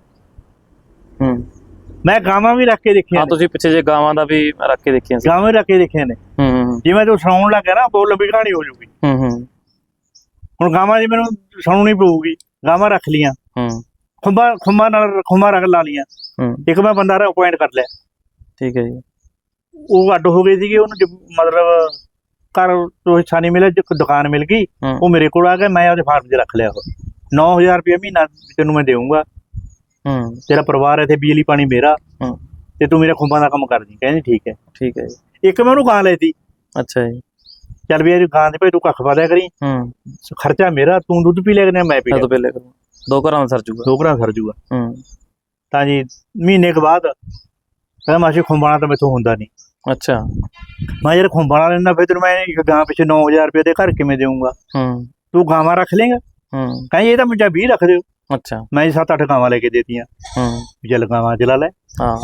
Speaker 1: ਹੂੰ।
Speaker 2: ਮੈਂ ਗਾਵਾਂ ਵੀ ਰੱਖ ਕੇ ਦੇਖੀਆਂ
Speaker 1: ਹਾਂ,
Speaker 2: ਨੇ,
Speaker 1: ਤੁਸੀਂ ਪਿੱਛੇ ਜੇ ਗਾਵਾਂ ਦਾ ਵੀ ਰੱਖ ਕੇ ਦੇਖੀਆਂ ਸੀ।
Speaker 2: ਗਾਵਾਂ ਵੀ ਰੱਖ ਕੇ ਦੇਖੀਆਂ ਨੇ।
Speaker 1: ਹੂੰ ਹੂੰ
Speaker 2: ਜਿਵੇਂ ਤੂੰ ਸੁਣਾਉਣ ਲੱਗ ਗਿਆ ਨਾ, ਬਹੁਤ ਲੰਬੀ ਕਹਾਣੀ ਹੋ ਜਾਊਗੀ।
Speaker 1: ਹੂੰ ਹੂੰ
Speaker 2: ਹੁਣ ਗਾਵਾਂ ਦੀ ਮੈਨੂੰ ਸੁਣਾਉਣੀ ਪਊਗੀ, ਗਾਵਾਂ ਰੱਖ ਲੀਆਂ,
Speaker 1: ਹੂੰ
Speaker 2: ਖੁੰਬਾਂ ਖੁੰਬਾਂ ਨਾਲ ਖੁੰਬਾਂ ਰੱਖ ਲਾ ਲੀਆਂ,
Speaker 1: ਹੂੰ।
Speaker 2: ਇੱਕ ਮੈਂ ਬੰਦਾ ਅਪਾਇੰਟ ਕਰ ਲਿਆ,
Speaker 1: ਠੀਕ ਹੈ ਜੀ।
Speaker 2: ਉਹ ਅੱਡ ਹੋ ਗਏ ਸੀਗੇ, ਉਹਨੂੰ ਜ- ਮਤਲਬ ਘਰ ਤੋਂ ਹਿੱਸਾ ਨਹੀਂ ਮਿਲਿਆ, ਇੱਕ ਦੁਕਾਨ ਮਿਲ ਗਈ,
Speaker 1: ਹੂੰ
Speaker 2: ਉਹ ਮੇਰੇ ਕੋਲ ਆ ਗਿਆ, ਮੈਂ ਉਹਦੇ ਫਾਰਮ 'ਚ ਰੱਖ ਲਿਆ। ਉਹ ਨੌ ਹਜ਼ਾਰ ਰੁਪਇਆ ਮਹੀਨਾ ਤੈਨੂੰ ਮੈਂ ਦੇਊਂਗਾ,
Speaker 1: ਹੂੰ
Speaker 2: ਤੇਰਾ ਪਰਿਵਾਰ ਇੱਥੇ ਬਿਜਲੀ ਪਾਣੀ ਮੇਰਾ,
Speaker 1: ਹੂੰ
Speaker 2: ਤੇ ਤੂੰ ਮੇਰਾ ਖੁੰਬਾਂ ਦਾ ਕੰਮ ਕਰਦੀ। ਕਹਿੰਦੀ ਠੀਕ ਹੈ।
Speaker 1: ਠੀਕ ਹੈ ਜੀ।
Speaker 2: ਇੱਕ ਮੈਂ ਉਹਨੂੰ ਗਾਂ ਲੈਤੀ,
Speaker 1: ਅੱਛਾ ਜੀ।
Speaker 2: ਚੱਲ ਵੀ ਇਹ ਗਾਂ ਦੇ ਭਾਈ ਤੂੰ ਕੱਖ ਪਾ ਦਿਆ ਕਰੀ,
Speaker 1: ਹੂੰ
Speaker 2: ਖਰਚਾ ਮੇਰਾ, ਤੂੰ ਦੁੱਧ ਪੀ ਲਿਆ ਕਰਨਾ, ਮੈਂ ਪੀ
Speaker 1: ਮੈਂ
Speaker 2: ਲਿਆ।
Speaker 1: ਤਾਂ ਪਹਿਲੇ ਕਰੂੰ। ਦੋ ਘਰਾਂ ਦਾ ਸਰ ਜੂਗਾ।
Speaker 2: ਦੋ ਘਰਾਂ ਸਰ ਜੂਗਾ।
Speaker 1: ਹੂੰ
Speaker 2: ਤਾਂ ਜੀ ਮਹੀਨੇ ਕੁ ਬਾਅਦ ਕਹਿੰਦਾ ਮਾਸੀ ਖੁੰਬਾਣਾ ਤਾਂ ਮੈਥੋਂ ਹੁੰਦਾ ਨਹੀਂ।
Speaker 1: ਅੱਛਾ।
Speaker 2: ਮੈਂ ਯਾਰ ਖੁੰਬਾਣਾ ਲੈਂਦਾ ਫਿਰ ਤੈਨੂੰ ਮੈਂ ਇੱਕ ਗਾਂ ਪਿੱਛੇ ਨੌ ਹਜ਼ਾਰ ਰੁਪਏ ਦੇ ਘਰ ਕਿਵੇਂ ਦੇਊਂਗਾ,
Speaker 1: ਹੂੰ
Speaker 2: ਤੂੰ ਗਾਵਾਂ ਰੱਖ ਲੇਗਾ।
Speaker 1: ਹੂੰ
Speaker 2: ਕਹਿੰਦੀ ਇਹ ਤਾਂ ਮੁੰਡਾ ਵੀਹ ਰੱਖ ਦਿਓ।
Speaker 1: ਅੱਛਾ।
Speaker 2: ਮੈਂ ਸੱਤ ਅੱਠ ਗਾਵਾਂ ਲੈ ਕੇ ਦੇਤੀਆਂ।
Speaker 1: ਹੂੰ
Speaker 2: ਵੀ ਚੱਲ ਗਾਵਾਂ ਚਲਾ ਲੈ।
Speaker 1: ਹਾਂ।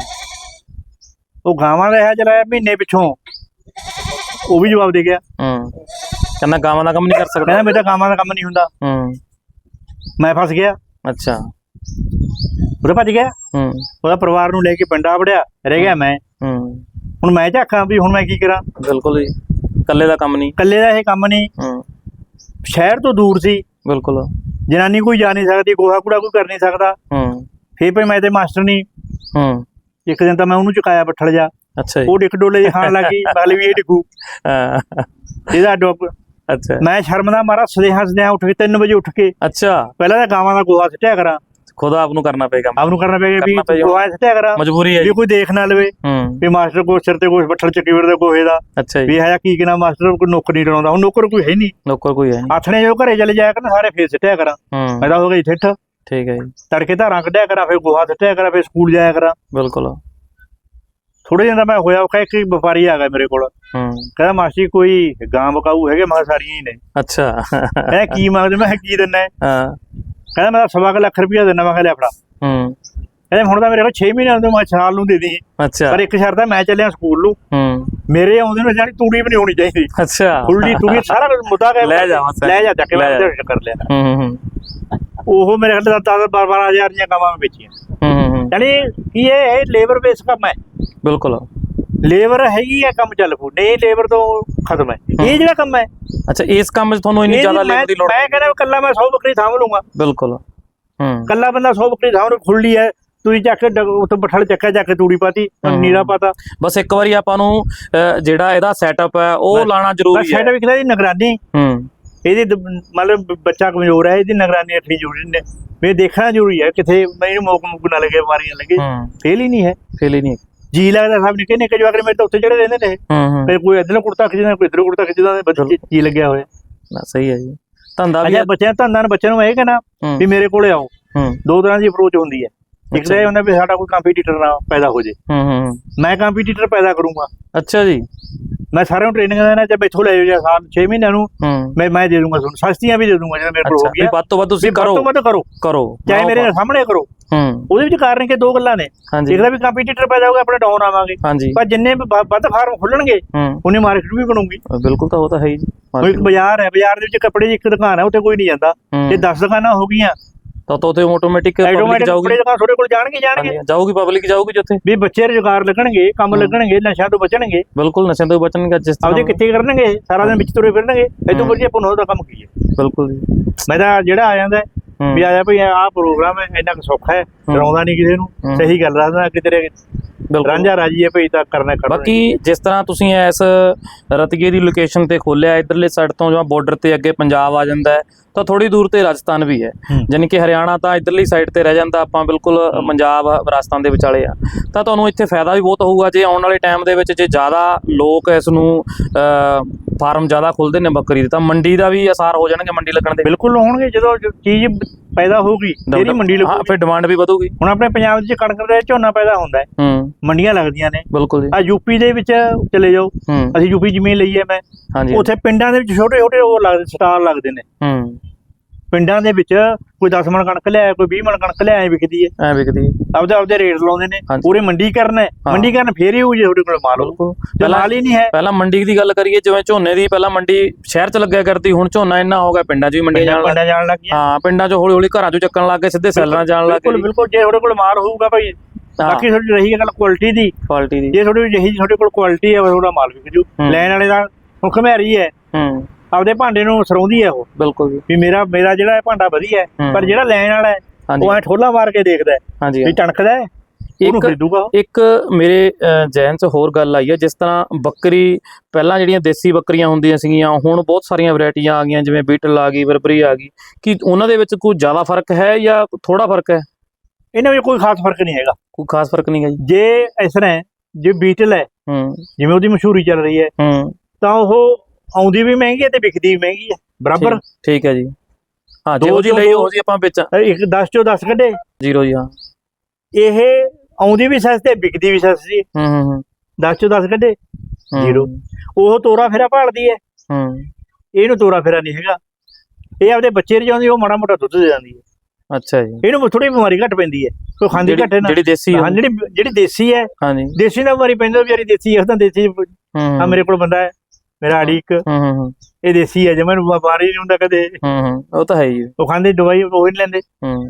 Speaker 2: ਉਹ ਗਾਵਾਂ ਰਿਹਾ ਚਲਾਇਆ ਮਹੀਨੇ ਪਿੱਛੋਂ ਉਹ ਵੀ ਜਵਾਬ ਦੇ ਗਿਆ।
Speaker 1: ਹੂੰ ਕਹਿੰਦਾ ਗਾਵਾਂ ਦਾ ਕੰਮ ਨਹੀਂ ਕਰ ਸਕਦਾ।
Speaker 2: ਕਹਿੰਦਾ ਮੇਰਾ ਗਾਵਾਂ ਦਾ ਕੰਮ ਨਹੀਂ ਹੁੰਦਾ।
Speaker 1: ਹੂੰ
Speaker 2: ਮੈਂ ਫਸ ਗਿਆ।
Speaker 1: ਅੱਛਾ।
Speaker 2: ਉਹਦਾ ਭੱਜ ਗਿਆ।
Speaker 1: ਹੂੰ
Speaker 2: ਉਹਦਾ ਪਰਿਵਾਰ ਨੂੰ ਲੈ ਕੇ ਪਿੰਡ ਆ ਵੜਿਆ, ਰਹਿ ਗਿਆ ਮੈਂ।
Speaker 1: ਹੂੰ
Speaker 2: ਹੁਣ ਮੈਂ ਝਾਕਾਂ ਵੀ ਹੁਣ ਮੈਂ ਕੀ ਕਰਾਂ।
Speaker 1: ਬਿਲਕੁਲ ਜੀ, ਇਕੱਲੇ ਦਾ ਕੰਮ ਨਹੀਂ।
Speaker 2: ਇਕੱਲੇ ਦਾ ਇਹ ਕੰਮ ਨਹੀਂ।
Speaker 1: ਹੂੰ
Speaker 2: ਸ਼ਹਿਰ ਤੋਂ ਦੂਰ ਸੀ।
Speaker 1: ਬਿਲਕੁਲ।
Speaker 2: ਜਨਾਨੀ ਕੋਈ ਜਾ ਨਹੀਂ ਸਕਦੀ, ਗੋਹਾ ਕੂੜਾ ਕੋਈ ਕਰ ਨਹੀਂ ਸਕਦਾ।
Speaker 1: ਹੂੰ
Speaker 2: ਫੇਰ ਭਾਈ ਮੈਂ ਤੇ ਮਾਸਟਰ ਨਹੀਂ।
Speaker 1: ਹੂੰ
Speaker 2: ਇੱਕ ਦਿਨ ਤਾਂ ਮੈਂ ਉਹਨੂੰ ਚੁਕਾਇਆ ਬੱਠਲ ਜਾ।
Speaker 1: ਅੱਛਾ ਜੀ।
Speaker 2: ਉਹ ਡਿੱਕ ਡੋਲੇ ਜਿਹੇ ਖਾਣ ਲੱਗੀ, ਬਲ ਵੀ ਇਹ ਡਿੱਗੂ ਇਹਦਾ ਡੁੱਬ।
Speaker 1: ਅੱਛਾ।
Speaker 2: ਮੈਂ ਸ਼ਰਮ ਦਾ ਮਾਰਾ ਸਦੇਹਾ ਸਦੇਹਾ ਉੱਠ ਕੇ ਤਿੰਨ ਵਜੇ ਉੱਠ ਕੇ
Speaker 1: ਅੱਛਾ
Speaker 2: ਪਹਿਲਾਂ ਤਾਂ ਗਾਵਾਂ ਦਾ ਗੋਹਾ ਸਿੱਟਿਆ ਕਰਾਂ।
Speaker 1: ਖੁਦ ਆਪ ਨੂੰ ਕਰਨਾ ਪਏਗਾ।
Speaker 2: ਆਪ ਨੂੰ ਕਰਨਾ ਪਏਗਾ ਵੀ
Speaker 1: ਕਰਨਾ ਪਏਗਾ।
Speaker 2: ਗੋਹਾ ਸਿੱਟਿਆ ਕਰਾਂ,
Speaker 1: ਮਜਬੂਰੀ ਹੈ
Speaker 2: ਵੀ
Speaker 1: ਜੀ।
Speaker 2: ਕੋਈ ਦੇਖ ਨਾ ਲਵੇ
Speaker 1: ਹੂੰ
Speaker 2: ਵੀ ਮਾਸਟਰ ਕੋ ਸਿਰ ਤੇ ਕੁਛ ਬੱਠਲ ਚੱਕੀ ਫਿਰਦੇ ਗੋਹੇ ਦਾ।
Speaker 1: ਅੱਛਾ
Speaker 2: ਵੀ
Speaker 1: ਜੀ।
Speaker 2: ਹੈ ਕੀ ਕਿਨਾ ਮਾਸਟਰ ਕੋਈ ਨੌਕਰ ਨਹੀਂ ਡਰਾਉਂਦਾ। ਹੁਣ ਨੌਕਰ ਕੋਈ ਹੈ ਨਹੀਂ।
Speaker 1: ਨੌਕਰ ਕੋਈ ਹੈ ਨਹੀਂ।
Speaker 2: ਆਥਣੇ ਜੋ ਘਰੇ ਚਲੇ ਜਾਇਆ ਕਰਨ ਸਾਰੇ ਫੇਰ ਸਿੱਟਿਆ ਕਰਾਂ।
Speaker 1: ਹੂੰ
Speaker 2: ਮੈਂ ਤਾਂ ਹੋ ਗਈ ਠਿੱਠ।
Speaker 1: ਠੀਕ ਹੈ ਜੀ।
Speaker 2: ਤੜਕੇ ਧਾਰਾਂ ਕੱਢਿਆ ਕਰਾਂ, ਫਿਰ ਗੋਹਾ ਸਿੱਟਿਆ ਕਰਾਂ, ਫਿਰ ਸਕੂਲ ਜਾਇਆ ਕਰਾਂ।
Speaker 1: ਬਿਲਕੁਲ।
Speaker 2: ਥੋੜੇ ਦਿਨ ਦਾ ਮੈਂ ਹੋਇਆ, ਉਹ ਕਹਿ ਇੱਕ ਵਪਾਰੀ ਆ ਗਿਆ ਮੇਰੇ ਕੋਲ।
Speaker 1: ਹੂੰ
Speaker 2: ਕਹਿੰਦਾ ਮਾਸੀ ਕੋਈ ਗਾਂ ਬਕਾਊ ਹੈਗੇ? ਮੈਂ ਕਿਹਾ ਸਾਰੀਆਂ ਹੀ ਨੇ।
Speaker 1: ਅੱਛਾ।
Speaker 2: ਕਹਿੰਦਾ ਕੀ ਮੰਗਦੇ? ਮੈਂ ਕਿਹਾ ਕੀ ਦਿੰਦਾ?
Speaker 1: ਹਾਂ।
Speaker 2: ਕਹਿੰਦਾ ਮੈਂ ਸਵਾ ਕੁ ਲੱਖ ਰੁਪਇਆ ਦਿੰਦਾ। ਮੈਂ ਕਿਹਾ ਲੈ ਫੜਾ।
Speaker 1: ਹੂੰ
Speaker 2: ਕਹਿੰਦੇ ਹੁਣ ਤਾਂ ਮੇਰੇ ਕੋਲ ਛੇ ਮਹੀਨੇ ਆਉਂਦੇ, ਮੈਂ ਸਾਲ ਨੂੰ ਦੇ ਦੀ।
Speaker 1: ਅੱਛਾ।
Speaker 2: ਪਰ ਇੱਕ ਸ਼ਰਤ ਹੈ, ਮੈਂ ਚੱਲਿਆ ਸਕੂਲ ਨੂੰ,
Speaker 1: ਹੂੰ
Speaker 2: ਮੇਰੇ ਆਉਂਦੇ ਨੂੰ ਜਾਨੀ ਤੂੜੀ ਵੀ ਨਹੀਂ ਹੋਣੀ ਚਾਹੀਦੀ।
Speaker 1: ਅੱਛਾ।
Speaker 2: ਫੁੱਲੀ ਤੂੜੀ ਸਾਰਾ ਕੁਝ ਮੁੱਦਾ ਕਰ
Speaker 1: ਲੈ ਜਾਵਾਂ ਸਰ।
Speaker 2: ਲੈ ਜਾ ਚੱਕ ਕੇ
Speaker 1: ਲੈ
Speaker 2: ਮੈਂ
Speaker 1: ਜਾ।
Speaker 2: ਉਹਦੇ ਕਰ ਲਿਆ।
Speaker 1: ਹੂੰ ਹੂੰ
Speaker 2: ਉਹ ਮੇਰੇ ਖਿਆਲ ਦਸ ਬਾਰਾਂ ਹਜ਼ਾਰ ਦੀਆਂ ਕਾਮਾਂ ਮੈਂ ਵੇਚੀਆਂ।
Speaker 1: ਹੂੰ ਹੂੰ
Speaker 2: ਯਾਨੀ ਕੀ ਇਹ ਲੇਬਰ ਬੇਸ ਕੰਮ ਹੈ।
Speaker 1: ਬਿਲਕੁਲ।
Speaker 2: ਲੇਬਰ ਹੈਗੀ ਹੈ, ਕੰਮ ਚੱਲ ਪੂ, ਨਹੀਂ ਲੇਬਰ ਤੋਂ ਖਤਮ ਹੈ ਇਹ ਜਿਹੜਾ ਕੰਮ ਹੈ।
Speaker 1: ਅੱਛਾ, ਇਸ ਕੰਮ 'ਚ ਤੁਹਾਨੂੰ ਇੰਨੀ
Speaker 2: ਇਹ
Speaker 1: ਜ਼ਿਆਦਾ
Speaker 2: ਮੈਂ
Speaker 1: ਲੇਬਰ ਦੀ ਲੋੜ
Speaker 2: ਮੈਂ ਕਹਿੰਦਾ ਇਕੱਲਾ ਮੈਂ ਸੌ ਬੱਕਰੀ ਸਾਂਭ ਲੂੰਗਾ।
Speaker 1: ਬਿਲਕੁਲ। ਹੂੰ
Speaker 2: ਇਕੱਲਾ ਬੰਦਾ ਸੌ ਬੱਕਰੀ ਸਾਂਭ ਖੁੱਲੀ ਹੈ। ਤੁਸੀਂ ਚੱਕ ਕੇ ਉੱਥੇ ਬੱਠਲ ਚੱਕਿਆ, ਚੱਕ ਕੇ ਤੂੜੀ ਪਾਤੀ, ਨੀਰਾ ਪਾਤਾ।
Speaker 1: ਬਸ ਇੱਕ ਵਾਰੀ ਆਪਾਂ ਨੂੰ ਅਹ, ਜਿਹੜਾ ਇਹਦਾ ਸੈਟਅਪ ਹੈ ਉਹ ਲਾਣਾ ਜ਼ਰੂਰੀ ਹੈ।
Speaker 2: ਸੈਟਅਪ ਕਿਹਦਾ ਦੀ ਨਿਗਰਾਨੀ।
Speaker 1: ਹੂੰ
Speaker 2: ਇਹਦੀ ਦ- ਮਤਲਬ ਬੱਚਾ ਕਮਜ਼ੋਰ ਹੈ, ਇਹਦੀ ਨਿਗਰਾਨੀ ਰੱਖਣੀ ਜ਼ਰੂਰੀ ਨੇ। ਵੀ ਦੇਖਣਾ ਜ਼ਰੂਰੀ ਹੈ ਕਿਥੇ ਮੈਨੂੰ ਮੋਕ ਮੁਕ ਨਾ ਲੱਗੇ, ਬਿਮਾਰੀਆਂ ਲੱਗੇ।
Speaker 1: ਹੂੰ
Speaker 2: ਫੇਲ ਹੀ ਨਹੀਂ ਹੈ।
Speaker 1: ਫੇਲ ਹੀ ਨਹੀਂ।
Speaker 2: ਜੀ ਲੱਗਦਾ ਸਭ ਨਿੱਕੇ ਨਿੱਕੇ ਜਵਾਕ ਮੇਰੇ ਤਾਂ ਉੱਥੇ ਚੜੇ ਰਹਿੰਦੇ ਨੇ।
Speaker 1: ਹੂੰ ਹੂੰ
Speaker 2: ਫਿਰ ਕੋਈ ਇੱਧਰੋਂ ਕੁੜਤਾ ਖਿੱਚਦਾ, ਕੋਈ ਇੱਧਰੋਂ ਕੁੜਤਾ ਖਿੱਚਦਾ, ਬੱਚੇ ਜੀ ਲੱਗਿਆ ਹੋਇਆ।
Speaker 1: ਨਾ ਸਹੀ ਹੈ ਜੀ। ਧੰਦਾ ਵੀ
Speaker 2: ਅੱਛਾ, ਬੱਚਿਆਂ ਧੰਦਾਂ ਨੂੰ ਬੱਚਿਆਂ ਨੂੰ ਇਹ ਕਹਿਣਾ
Speaker 1: ਹੂੰ
Speaker 2: ਵੀ ਮੇਰੇ ਕੋਲੇ ਆਓ।
Speaker 1: ਹੂੰ
Speaker 2: ਦੋ ਤਰ੍ਹਾਂ ਦੀ ਅਪਰੋਚ ਹੁੰਦੀ ਹੈ। ਇੱਕ ਤਾਂ ਇਹ ਹੁੰਦਾ ਵੀ ਸਾਡਾ ਕੋਈ ਕੰਪੀਟੀਟਰ ਨਾ ਪੈਦਾ ਹੋ ਜੇ।
Speaker 1: ਹੂੰ ਹੂੰ
Speaker 2: ਮੈਂ ਕੰਪੀਟੀਟਰ ਪੈਦਾ ਕਰੂੰਗਾ।
Speaker 1: ਅੱਛਾ ਜੀ।
Speaker 2: ਮੈਂ ਸਾਰਿਆਂ ਨੂੰ ਟ੍ਰੇਨਿੰਗ ਦੇਣਾ, ਚਾਹੇ ਮੈਥੋਂ ਲੈ ਜਾਓ ਜਾਂ ਸਾਲ ਛੇ ਮਹੀਨਿਆਂ ਨੂੰ
Speaker 1: ਹੂੰ
Speaker 2: ਮੈਂ ਮੈਂ ਦੇ ਦੂੰਗਾ ਤੁਹਾਨੂੰ, ਸਸਤੀਆਂ ਵੀ ਦੇ ਦੂੰਗਾ ਜਿਹੜਾ ਮੇਰੇ ਕੋਲ ਹੋ ਗਿਆ।
Speaker 1: ਵੱਧ ਤੋਂ ਵੱਧ ਤੁਸੀਂ ਕਰੋ
Speaker 2: ਵੱਧ ਤੋਂ ਵੱਧ ਕਰੋ
Speaker 1: ਕਰੋ
Speaker 2: ਚਾਹੇ ਮੇਰੇ ਸਾਹਮਣੇ ਕਰੋ।
Speaker 1: ਹੂੰ
Speaker 2: ਉਹਦੇ ਵਿੱਚ ਕਾਰਨ ਕਿ ਦੋ ਗੱਲਾਂ ਨੇ।
Speaker 1: ਹਾਂਜੀ
Speaker 2: ਇੱਕ ਤਾਂ ਵੀ ਕੰਪੀਟੀਟਰ ਪੈਦਾ ਹੋਊਗਾ, ਆਪਣੇ ਡਾਊਨ ਆਵਾਂਗੇ।
Speaker 1: ਹਾਂਜੀ।
Speaker 2: ਪਰ ਜਿੰਨੇ ਵੀ ਵ- ਵੱਧ ਫਾਰਮ ਖੁੱਲਣਗੇ
Speaker 1: ਹੂੰ
Speaker 2: ਉਹਨੇ ਮਾਰਕੀਟ ਵੀ ਬਣੂਗੀ।
Speaker 1: ਬਿਲਕੁਲ, ਤਾਂ ਉਹ ਤਾਂ ਹੈ ਹੀ ਜੀ।
Speaker 2: ਕੋਈ ਇੱਕ ਬਾਜ਼ਾਰ ਹੈ, ਬਾਜ਼ਾਰ ਦੇ ਵਿੱਚ ਕੱਪੜੇ ਦੀ ਇੱਕ ਦੁਕਾਨ ਹੈ, ਉੱਥੇ ਕੋਈ ਨਹੀਂ ਜਾਂਦਾ। ਜੇ ਦਸ ਦੁਕਾਨਾਂ ਹੋ ਗਈਆਂ
Speaker 1: ਤਾਂ ਤਾਂ ਉੱਥੇ ਆਟੋਮੈਟਿਕ ਪਬਲਿਕ
Speaker 2: ਆਟੋਮੈਟਿਕ
Speaker 1: ਜਾਊਗੀ।
Speaker 2: ਕੱਪੜੇ ਦੁਕਾਨ ਤੁਹਾਡੇ ਕੋਲ ਜਾਣਗੇ ਜਾਣਗੇ
Speaker 1: ਜਾਊਗੀ ਪਬਲਿਕ ਜਾਊਗੀ ਜਿੱਥੇ
Speaker 2: ਵੀ ਬੱਚੇ ਰੁਜ਼ਗਾਰ ਲੱਗਣਗੇ, ਕੰਮ ਲੱਗਣਗੇ, ਨਸ਼ਿਆਂ ਤੋਂ ਬਚਣਗੇ।
Speaker 1: ਬਿਲਕੁਲ ਨਸ਼ਿਆਂ ਤੋਂ ਬਚਣਗੇ। ਜਿਸ ਤਰ੍ਹਾਂ
Speaker 2: ਆਪਦੇ ਕਿੱਥੇ ਕਰਨਗੇ, ਸਾਰਾ ਦਿਨ ਵਿੱਚ ਤੁਰੇ ਫਿਰਨਗੇ। ਇਹ ਤੋਂ ਵਧੀਆ ਪੁੰਨੋ ਦਾ ਕੰਮ ਕੀ ਹੈ।
Speaker 1: ਬਿਲਕੁਲ ਜੀ।
Speaker 2: ਮੈਂ ਤਾਂ ਜਿਹੜਾ ਆ ਜਾਂਦਾ ਵੀ ਆਇਆ ਭਈ ਆਹ ਪ੍ਰੋਗਰਾਮ ਹੈ, ਇੰਨਾ ਕੁ ਸੌਖਾ ਹੈ, ਡਰਾਉਂਦਾ ਨਹੀਂ ਕਿਸੇ ਨੂੰ, ਸਹੀ ਗੱਲ ਦੱਸਦਾ ਕਿ ਤੇਰੇ ਰਾਂਝਾ ਰਾਜੀ ਹੈ ਭਈ ਤਾਂ ਕਰਨਾ ਖੜਾ।
Speaker 1: ਬਾਕੀ ਜਿਸ ਤਰ੍ਹਾਂ ਤੁਸੀਂ ਇਸ ਰਤੀਏ ਦੀ ਲੋਕੇਸ਼ਨ ਤੇ ਖੋਲਿਆ, ਇਧਰਲੇ ਸਾਈਡ ਤੋਂ ਜਿਵੇਂ ਬਾਰਡਰ ਤੇ ਅੱਗੇ ਪੰਜਾਬ ਆ ਜਾਂਦਾ ਹੈ, ਤਾਂ ਥੋੜੀ ਦੂਰ ਤੇ ਰਾਜਸਥਾਨ ਵੀ ਹੈ। ਯਾਨੀ ਕਿ ਹਰਿਆਣਾ ਤਾਂ ਇਧਰਲੀ ਸਾਈਡ ਤੇ ਰਹਿ ਜਾਂਦਾ, ਆਪਾਂ ਬਿਲਕੁਲ ਪੰਜਾਬ ਰਾਜਸਥਾਨ ਦੇ ਵਿਚਾਲੇ ਆ। ਤਾਂ ਤੁਹਾਨੂੰ ਇੱਥੇ ਫਾਇਦਾ ਵੀ ਬਹੁਤ ਹੋਊਗਾ ਜੇ ਆਉਣ ਵਾਲੇ ਟਾਈਮ ਦੇ ਵਿੱਚ ਜੇ ਜ਼ਿਆਦਾ ਲੋਕ ਇਸ ਨੂੰ ਫਾਰਮ ਜ਼ਿਆਦਾ ਖੁੱਲਦੇ ਨੇ ਬੱਕਰੀ ਦੇ, ਤਾਂ ਮੰਡੀ ਦਾ ਵੀ ਅਸਾਰ ਹੋ ਜਾਣਗੇ, ਮੰਡੀ ਲੱਗਣ ਦੇ।
Speaker 2: ਬਿਲਕੁਲ ਹੋਣਗੇ। ਜਦੋਂ ਚੀਜ਼ ਪੈਦਾ ਹੋਊਗੀ ਤੇਰੀ ਮੰਡੀ ਲੱਗੂਗੀ।
Speaker 1: ਹਾਂ, ਫਿਰ ਡਿਮਾਂਡ ਵੀ ਵਧੂਗੀ।
Speaker 2: ਹੁਣ ਆਪਣੇ ਪੰਜਾਬ 'ਚ ਕਣਕ ਦਾ ਝੋਨਾ ਪੈਦਾ ਹੁੰਦਾ ਹੈ,
Speaker 1: ਹੂੰ
Speaker 2: ਮੰਡੀਆਂ ਲੱਗਦੀਆਂ ਨੇ।
Speaker 1: ਬਿਲਕੁਲ ਜੀ।
Speaker 2: ਆ ਯੂਪੀ ਦੇ ਵਿੱਚ ਚਲੇ ਜਾਓ,
Speaker 1: ਹੂੰ
Speaker 2: ਅਸੀਂ ਯੂਪੀ ਜ਼ਮੀਨ ਲਈ ਹੈ ਮੈਂ,
Speaker 1: ਹਾਂਜੀ।
Speaker 2: ਉੱਥੇ ਪਿੰਡਾਂ ਦੇ ਵਿੱਚ ਛੋਟੇ ਛੋਟੇ ਉਹ ਲੱਗਦੇ ਸਟਾਲ ਲੱਗਦੇ ਨੇ।
Speaker 1: ਹੂੰ
Speaker 2: ਪਿੰਡਾਂ ਦੇ ਵਿੱਚ ਕੋਈ ਦਸ ਮਣ ਕਣਕ ਲਿਆਇਆ, ਕੋਈ ਵੀਹ ਮਣ ਕਣਕ ਲਿਆਇਆ, ਵਿਕਦੀ ਹੈ।
Speaker 1: ਐ ਵਿਕਦੀ ਹੈ।
Speaker 2: ਆਪਦੇ ਆਪਦੇ ਰੇਟ ਲਾਉਂਦੇ ਨੇ।
Speaker 1: ਹਾਂਜੀ।
Speaker 2: ਪੂਰੇ ਮੰਡੀ ਕਰਨਾ, ਮੰਡੀ ਕਰਨ ਫੇਰ ਹੀ ਹੋਊ ਜੇ ਤੁਹਾਡੇ ਕੋਲ ਮਾਲ ਹੋਊ।
Speaker 1: ਬਿਲਕੁਲ।
Speaker 2: ਜੇ ਮਾਲ ਹੀ ਨਹੀਂ ਹੈ।
Speaker 1: ਪਹਿਲਾਂ ਮੰਡੀ ਦੀ ਗੱਲ ਕਰੀਏ, ਜਿਵੇਂ ਝੋਨੇ ਦੀ ਪਹਿਲਾਂ ਮੰਡੀ ਸ਼ਹਿਰ 'ਚ ਲੱਗਿਆ ਕਰਦੀ, ਹੁਣ ਝੋਨਾ ਇੰਨਾ ਹੋ ਗਿਆ ਪਿੰਡਾਂ 'ਚ ਵੀ ਮੰਡੀਆਂ ਜਾਣ ਲੱਗ
Speaker 2: ਪਿੰਡਾਂ ਜਾਣ ਲੱਗ ਗਈਆਂ।
Speaker 1: ਹਾਂ, ਪਿੰਡਾਂ 'ਚ ਹੌਲੀ ਹੌਲੀ ਘਰਾਂ 'ਚੋਂ ਚੱਕਣ ਲੱਗ ਗਏ, ਸਿੱਧੇ ਸੈਲਰਾਂ ਜਾਣ ਲੱਗ
Speaker 2: ਬਿਲਕੁਲ
Speaker 1: ਗਏ।
Speaker 2: ਬਿਲਕੁਲ। ਜੇ ਤੁਹਾਡੇ ਕੋਲ ਮਾਲ ਹੋਊਗਾ ਭਾਈ, ਬਾਕੀ ਤੁਹਾਡੀ ਰਹੀ ਗੱਲ ਕੁਆਲਿਟੀ ਦੀ।
Speaker 1: ਕੁਆਲਿਟੀ ਦੀ।
Speaker 2: ਜੇ ਤੁਹਾਡੀ ਜਿਹੀ ਤੁਹਾਡੇ ਕੋਲ ਕੁਆਲਿਟੀ ਹੈ, ਤੁਹਾਡਾ ਮਾਲ ਵਿਕ ਜੂ। ਲੈਣ ਵਾਲੇ ਦਾ ਹੁਣ ਘਮਿਆਰੀ ਹੈ,
Speaker 1: ਹੂੰ
Speaker 2: ਆਪਦੇ ਭਾਂਡੇ ਨੂੰ ਸਰੋਂਦੀ ਹੈ ਉਹ,
Speaker 1: ਬਿਲਕੁਲ ਜੀ।
Speaker 2: ਵੀ ਮੇਰਾ ਮੇਰਾ ਜਿਹੜਾ ਭਾਂਡਾ ਵਧੀਆ ਹੈ। ਪਰ ਜਿਹੜਾ ਲੈਣ ਵਾਲਾ ਹੈ ਉਹ ਐ ਠੋਲਾ ਮਾਰ ਕੇ ਦੇਖਦਾ
Speaker 1: ਹਾਂਜੀ
Speaker 2: ਵੀ ਟਣਕਦਾ ਹੈ, ਉਹਨੂੰ ਖਰੀਦੂਗਾ।
Speaker 1: ਇੱਕ ਮੇਰੇ ਜਹਿਨ 'ਚ ਹੋਰ ਗੱਲ ਆਈ ਹੈ, ਜਿਸ ਤਰ੍ਹਾਂ ਬੱਕਰੀ ਪਹਿਲਾਂ ਜਿਹੜੀਆਂ ਦੇਸੀ ਬੱਕਰੀਆਂ ਹੁੰਦੀਆਂ ਸੀਗੀਆਂ, ਹੁਣ ਬਹੁਤ ਸਾਰੀਆਂ ਵੈਰਾਈਟੀਆਂ ਆ ਗਈਆਂ, ਜਿਵੇਂ ਬੀਟਲ ਆ ਗਈ, ਬਰਬਰੀ ਆ ਗਈ। ਕੀ ਉਹਨਾਂ ਦੇ ਵਿੱਚ ਕੋਈ ਜ਼ਿਆਦਾ ਫਰਕ ਹੈ ਜਾਂ ਥੋੜਾ ਫਰਕ ਹੈ?
Speaker 2: ਇਹਨਾਂ ਵਿੱਚ ਕੋਈ ਖਾਸ ਫਰਕ ਨਹੀਂ ਹੈਗਾ।
Speaker 1: ਕੋਈ ਖਾਸ ਫਰਕ ਨਹੀਂ ਹੈ ਜੀ।
Speaker 2: ਜੇ ਇਸ ਤਰ੍ਹਾਂ ਜੇ ਬੀਟਲ ਹੈ,
Speaker 1: ਹੂੰ
Speaker 2: ਜਿਵੇਂ ਉਹਦੀ ਮਸ਼ਹੂਰੀ ਚੱਲ ਰਹੀ ਹੈ,
Speaker 1: ਹੂੰ
Speaker 2: ਤਾਂ ਉਹ ਆਉਂਦੀ ਵੀ ਮਹਿੰਗੀ ਹੈ ਤੇ ਵਿਕਦੀ ਵੀ ਮਹਿੰਗੀ ਹੈ ਬਰਾਬਰ।
Speaker 1: ਠੀਕ ਹੈ ਜੀ। ਹਾਂ
Speaker 2: ਦੋ
Speaker 1: ਜਿਹੋ ਜੀ
Speaker 2: ਚੋਂ
Speaker 1: ਲਈ
Speaker 2: ਦੋ-
Speaker 1: ਉਹ ਜੀ ਆਪਾਂ ਵਿੱਚ
Speaker 2: ਇੱਕ ਦਸ ਚੋਂ ਦਸ ਕੱਢੇ।
Speaker 1: ਜ਼ੀਰੋ ਜੀ। ਹਾਂ
Speaker 2: ਇਹ ਆਉਂਦੀ ਵੀ ਸੱਸ ਤੇ ਵਿਕਦੀ ਵੀ ਸੱਸ ਸੀ।
Speaker 1: ਹੂੰ ਹੂੰ ਹੂੰ
Speaker 2: ਦਸ ਚੋਂ ਦਸ ਕੱਢੇ,
Speaker 1: ਹੂੰ,
Speaker 2: ਜ਼ੀਰੋ। ਉਹ ਤੋਰਾ ਫੇਰਾ ਭਾਲਦੀ ਹੈ,
Speaker 1: ਹੂੰ
Speaker 2: ਇਹਨੂੰ ਤੋਰਾ ਫੇਰਾ ਨਹੀਂ ਹੈਗਾ। ਇਹ ਆਪਦੇ ਬੱਚੇ ਰਜਾਉਂਦੀ, ਉਹ ਮਾੜਾ ਮੋਟਾ ਦੁੱਧ ਦੇ ਜਾਂਦੀ ਹੈ।
Speaker 1: ਅੱਛਾ ਜੀ।
Speaker 2: ਇਹਨੂੰ ਥੋੜੀ ਬਿਮਾਰੀ ਘੱਟ ਪੈਂਦੀ ਹੈ, ਕੋਈ ਖਾਂਦੀ
Speaker 1: ਜਿਹੜੀ-
Speaker 2: ਘੱਟ ਹੈ ਨਾ।
Speaker 1: ਜਿਹੜੀ ਦੇਸੀ
Speaker 2: ਹਾਂ ਜਿਹੜੀ ਜਿਹੜੀ ਦੇਸੀ ਹੈ,
Speaker 1: ਹਾਂਜੀ
Speaker 2: ਦੇਸੀ ਨਾਲ ਬਿਮਾਰੀ ਪੈਂਦੀ, ਉਹ ਵਿਚਾਰੀ ਦੇਸੀ ਹੈ, ਉਹ ਤਾਂ ਦੇਸੀ।
Speaker 1: ਹੂੰ
Speaker 2: ਆ ਮੇਰੇ ਕੋਲ ਬੰਦਾ ਹੈ, ਮੇਰਾ ਆੜੀ ਇੱਕ,
Speaker 1: ਹੂੰ ਹੂੰ ਹੂੰ
Speaker 2: ਇਹ ਦੇਸੀ ਹੈ, ਜਿਵੇਂ ਬਿਮਾਰੀ ਨਹੀਂ ਹੁੰਦਾ ਕਦੇ।
Speaker 1: ਹੂੰ ਹੂੰ ਉਹ ਤਾਂ ਹੈ ਹੀ।
Speaker 2: ਉਹ ਖਾਂਦੇ ਦਵਾਈ ਉਹ ਨਹੀਂ ਲੈਂਦੇ।
Speaker 1: ਹੂੰ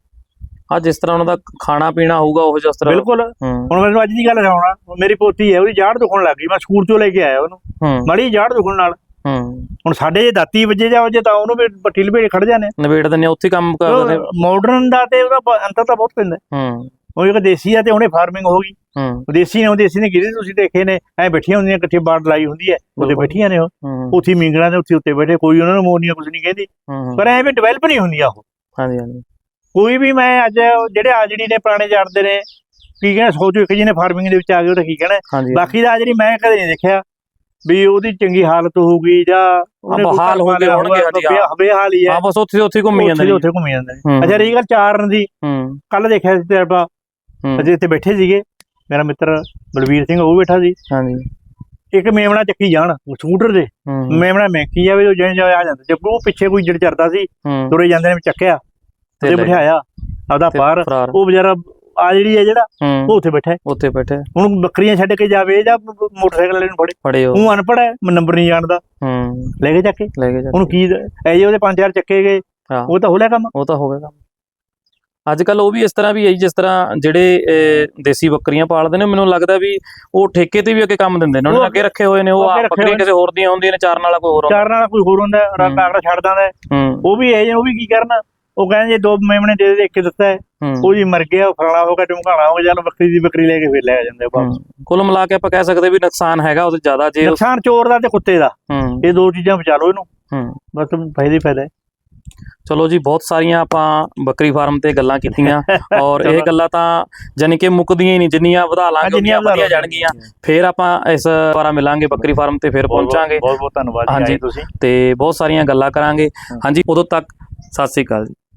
Speaker 1: ਆ ਜਿਸ ਤਰ੍ਹਾਂ ਉਹਨਾਂ ਦਾ ਖਾਣਾ ਪੀਣਾ ਹੋਊਗਾ ਉਹ ਜਿਸ ਤਰ੍ਹਾਂ।
Speaker 2: ਬਿਲਕੁਲ।
Speaker 1: ਹੂੰ
Speaker 2: ਹੁਣ ਮੈਨੂੰ ਅੱਜ ਦੀ ਗੱਲ ਸੁਣਾ, ਮੇਰੀ ਪੋਤੀ ਹੈ, ਉਹਦੀ ਜਾੜ ਦੁਖਣ ਲੱਗ ਗਈ, ਮੈਂ ਸਕੂਲ ਚੋਂ ਲੈ ਕੇ ਆਇਆ ਉਹਨੂੰ,
Speaker 1: ਹੂੰ
Speaker 2: ਮਾੜੀ ਜਾੜ ਦੁਖਣ ਨਾਲ।
Speaker 1: ਹੂੰ
Speaker 2: ਹੁਣ ਸਾਡੇ ਜੇ ਦਾਤੀ ਵੱਜੇ ਜਾਓ ਜੇ ਤਾਂ ਉਹਨੂੰ ਵੀ ਪੱਟੀ ਲਪੇਟ ਖੜ ਜਾਂਦੇ।
Speaker 1: ਨਵੇੜ ਦਿੰਦੇ ਆ, ਉੱਥੇ ਕੰਮ ਕਰਦੇ।
Speaker 2: ਮਾਡਰਨ ਦਾ ਤੇ ਉਹਦਾ ਬ- ਅੰਤਰ ਤਾਂ ਬਹੁਤ ਪੈਂਦਾ।
Speaker 1: ਹੂੰ
Speaker 2: ਉਹ ਇੱਕ ਦੇਸੀ ਆ ਤੇ ਉਹਨੇ ਫਾਰਮਿੰਗ ਹੋ ਗਈ।
Speaker 1: ਹੂੰ
Speaker 2: ਦੇਸੀ ਨੇ ਉਹ ਦੇਸੀ ਨੇ ਕਿਹਦੇ ਤੁਸੀਂ ਦੇਖੇ ਨੇ, ਐ ਬੈਠੀਆਂ ਹੁੰਦੀਆਂ, ਇਕੱਠੀ ਬਾੜ ਲਾਈ ਹੁੰਦੀ ਹੈ, ਉਹਦੇ
Speaker 1: ਬਿਲਕੁਲ।
Speaker 2: ਬੈਠੀਆਂ ਨੇ ਉਹ,
Speaker 1: ਹੂੰ
Speaker 2: ਉੱਥੇ ਮਿੰਗਣਾ ਦੇ ਉੱਥੇ ਉੱਤੇ ਬੈਠੇ, ਕੋਈ ਉਹਨਾਂ ਨੂੰ ਮੋਨੀਆਂ ਕੁਝ ਨਹੀਂ ਕਹਿੰਦੀ।
Speaker 1: ਹੂੰ
Speaker 2: ਪਰ ਐ ਵੀ ਡਿਵੈਲਪ ਨਹੀਂ ਹੁੰਦੀਆਂ ਉਹ।
Speaker 1: ਹਾਂਜੀ ਹਾਂਜੀ
Speaker 2: ਕੋਈ ਵੀ ਮੈਂ ਅੱਜ ਜਿਹੜੇ ਆ ਜਿਹੜੀ ਨੇ ਪੁਰਾਣੇ ਜਾਣਦੇ ਨੇ ਕੀ ਕਹਿਣਾ, ਸੌ ਚੋਂ ਇੱਕ ਜੀ ਨੇ ਫਾਰਮਿੰਗ ਦੇ ਵਿੱਚ ਆ ਗਏ, ਉਹ ਤਾਂ ਕੀ ਕਹਿਣਾ।
Speaker 1: ਹਾਂਜੀ
Speaker 2: ਬਾਕੀ ਦਾ ਜਿਹੜੀ ਮੈਂ ਕਦੇ ਨਹੀਂ ਦੇਖਿਆ ਵੀ ਉਹਦੀ ਚੰਗੀ ਹਾਲਤ ਹੋਊਗੀ ਜਾਂ ਉਹਨੇ ਕੋਈ
Speaker 1: ਬਹਾਲ ਹੋ
Speaker 2: ਘਰ
Speaker 1: ਗਏ
Speaker 2: ਪਾਲਿਆ
Speaker 1: ਹੋਣਗੇ,
Speaker 2: ਹੋਊਗਾ,
Speaker 1: ਹਾਂਜੀ, ਹਾਂ।
Speaker 2: ਬੇ- ਬੇਹਾਲ ਹੀ ਹੈ।
Speaker 1: ਹਾਂ ਬਸ ਉੱਥੇ ਉੱਥੇ ਘੁੰਮੀ ਜਾਂਦੇ
Speaker 2: ਉੱਥੇ
Speaker 1: ਨੇ।
Speaker 2: ਦੇ ਉੱਥੇ ਘੁੰਮੀ ਜਾਂਦੇ ਨੇ।
Speaker 1: ਹੂੰ
Speaker 2: ਅੱਛਾ ਰਹੀ ਗੱਲ ਚਾਰਨ ਦੀ,
Speaker 1: ਹੂੰ
Speaker 2: ਕੱਲ ਦੇਖਿਆ ਸੀ ਤੇ ਆਪਾਂ
Speaker 1: ਹੂੰ
Speaker 2: ਅਜੇ ਇੱਥੇ ਬੈਠੇ ਸੀਗੇ, ਮੇਰਾ ਮਿੱਤਰ ਬਲਵੀਰ ਸਿੰਘ ਉਹ ਵੀ ਬੈਠਾ ਸੀ।
Speaker 1: ਹਾਂਜੀ
Speaker 2: ਇੱਕ ਮੇਮਣਾ ਚੱਕੀ ਜਾਣ ਸਕੂਟਰ ਦੇ,
Speaker 1: ਹੂੰ
Speaker 2: ਮੇਮਣਾ ਮਹਿਕੀ ਜਾਵੇ ਉਹ ਜਿਵੇਂ ਜਿਵੇਂ ਆ ਜਾਂਦਾ, ਜੇ ਉਹ ਪਿੱਛੇ ਕੋਈ ਜੜ ਚੜਦਾ ਸੀ,
Speaker 1: ਹੂੰ
Speaker 2: ਤੁਰੇ ਜਾਂਦੇ ਨੇ, ਚੱਕਿਆ ਤੇ
Speaker 1: ਲੈ
Speaker 2: ਬਿਠਾਇਆ ਆਪਦਾ
Speaker 1: ਤੇ
Speaker 2: ਪਾਰ।
Speaker 1: ਫਰਾਰ।
Speaker 2: ਉਹ ਵਿਚਾਰਾ ਆ ਜਿਹੜੀ ਹੈ ਜਿਹੜਾ
Speaker 1: ਹੂੰ
Speaker 2: ਉਹ ਉੱਥੇ ਬੈਠਾ ਹੈ।
Speaker 1: ਉੱਥੇ ਬੈਠੇ
Speaker 2: ਹੁਣ ਬੱਕਰੀਆਂ ਛੱਡ ਕੇ ਜਾਵੇ ਜਾਂ ਮੋਟਰਸਾਈਕਲ ਵਾਲੇ ਨੂੰ ਫੜੇ,
Speaker 1: ਫੜੇ ਹੋ।
Speaker 2: ਉਹ ਅਨਪੜ੍ਹ ਹੈ, ਨੰਬਰ ਨਹੀਂ ਜਾਣਦਾ,
Speaker 1: ਹੂੰ
Speaker 2: ਲੈ ਕੇ ਚੱਕ ਕੇ।
Speaker 1: ਲੈ ਕੇ ਜਾ।
Speaker 2: ਉਹਨੂੰ ਕੀ ਐ ਜੇ ਉਹਦੇ ਪੰਜ ਚਾਰ ਚੱਕੇ ਗਏ,
Speaker 1: ਹਾਂ
Speaker 2: ਉਹ ਤਾਂ ਹੋ ਲਿਆ ਕੰਮ।
Speaker 1: ਉਹ ਤਾਂ ਹੋ ਗਿਆ ਕੰਮ। ਅੱਜ ਕੱਲ ਉਹ ਵੀ ਇਸ ਤਰ੍ਹਾਂ ਵੀ ਹੈ ਜੀ, ਜਿਸ ਤਰ੍ਹਾਂ ਜਿਹੜੇ ਅਹ, ਦੇਸੀ ਬੱਕਰੀਆਂ ਪਾਲਦੇ ਨੇ, ਮੈਨੂੰ ਲੱਗਦਾ ਵੀ ਉਹ ਠੇਕੇ ਤੇ ਵੀ ਅੱਗੇ ਕੰਮ ਦਿੰਦੇ ਨੇ, ਉਹਨਾਂ ਨੇ ਅੱਗੇ ਰੱਖੇ ਹੋਏ ਨੇ। ਉਹ
Speaker 2: ਉਹ ਅੱਗੇ
Speaker 1: ਆਪ
Speaker 2: ਰੱਖੇ
Speaker 1: ਬੱਕਰੀਆਂ
Speaker 2: ਹੋਏ
Speaker 1: ਕਿਸੇ ਹੋਰ ਦੀਆਂ ਹੁੰਦੀਆਂ ਨੇ, ਚਾਰਨ ਵਾਲਾ ਕੋਈ ਹੋਰ ਹੁੰਦਾ।
Speaker 2: ਚਾਰਨ ਵਾਲਾ ਕੋਈ ਹੋਰ ਹੁੰਦਾ,
Speaker 1: ਹੂੰ।
Speaker 2: ਆਗੜਾ ਛੱਡ ਦਿੰਦਾ ਹੈ।
Speaker 1: ਹੂੰ
Speaker 2: ਉਹ ਵੀ ਇਹ ਉਹ ਵੀ ਕੀ ਕਰਨਾ, ਉਹ ਕਹਿੰਦੇ ਜੇ ਦੋ ਮੇਮਣੇ ਦੇ ਦੇ ਕੇ ਦਿੱਤਾ ਹੈ,
Speaker 1: ਹੂੰ
Speaker 2: ਉਹ ਜੀ ਮਰ ਗਿਆ, ਉਹ ਫਲਾਣਾ ਹੋ ਗਿਆ, ਢਮਕਾਣਾ ਹੋ ਗਿਆ, ਚੱਲ ਬੱਕਰੀ ਦੀ ਬੱਕਰੀ ਲੈ ਕੇ ਫਿਰ ਲੈ ਜਾਂਦੇ ਆ ਵਾਪਸ।
Speaker 1: ਹੂੰ। ਕੁੱਲ ਮਿਲਾ ਕੇ ਆਪਾਂ ਕਹਿ ਸਕਦੇ ਵੀ ਨੁਕਸਾਨ ਹੈਗਾ ਉਹਦੇ ਜ਼ਿਆਦਾ ਜੇ।
Speaker 2: ਨੁਕਸਾਨ ਚੋਰ ਦਾ ਤੇ ਕੁੱਤੇ ਦਾ,
Speaker 1: ਹੂੰ
Speaker 2: ਇਹ ਦੋ ਚੀਜ਼ਾਂ ਬਚਾ ਲਓ ਇਹਨੂੰ,
Speaker 1: ਹੂੰ
Speaker 2: ਬਸ ਫਾਇਦਾ ਹੀ ਫਾਇਦਾ ਹੈ।
Speaker 1: ਚਲੋ ਜੀ, ਬਹੁਤ ਸਾਰੀਆਂ ਆਪਾਂ ਬੱਕਰੀ ਫਾਰਮ ਤੇ ਗੱਲਾਂ ਕੀਤੀਆਂ ਔਰ ਇਹ ਗੱਲਾਂ ਤਾਂ ਜਾਨੀ ਕਿ ਮੁੱਕਦੀਆਂ ਹੀ ਨਹੀਂ, ਜਿੰਨੀਆਂ ਵਧਾ ਲਾਂਗੇ ਉਨੀਆਂ ਵਧੀਆ ਜਾਣਗੀਆਂ। ਫੇਰ ਆਪਾਂ ਇਸ ਵਾਰਾ ਮਿਲਾਂਗੇ ਬੱਕਰੀ ਫਾਰਮ ਤੇ, ਫੇਰ ਪਹੁੰਚਾਂਗੇ।
Speaker 2: ਬਹੁਤ ਬਹੁਤ ਧੰਨਵਾਦ ਜੀ,
Speaker 1: ਹਾਂਜੀ।
Speaker 2: ਆਏ ਤੁਸੀਂ
Speaker 1: ਤੇ ਬਹੁਤ ਸਾਰੀਆਂ ਗੱਲਾਂ ਕਰਾਂਗੇ। ਹਾਂਜੀ, ਉਦੋਂ ਤੱਕ ਸਤਿ ਸ੍ਰੀ ਅਕਾਲ ਜੀ।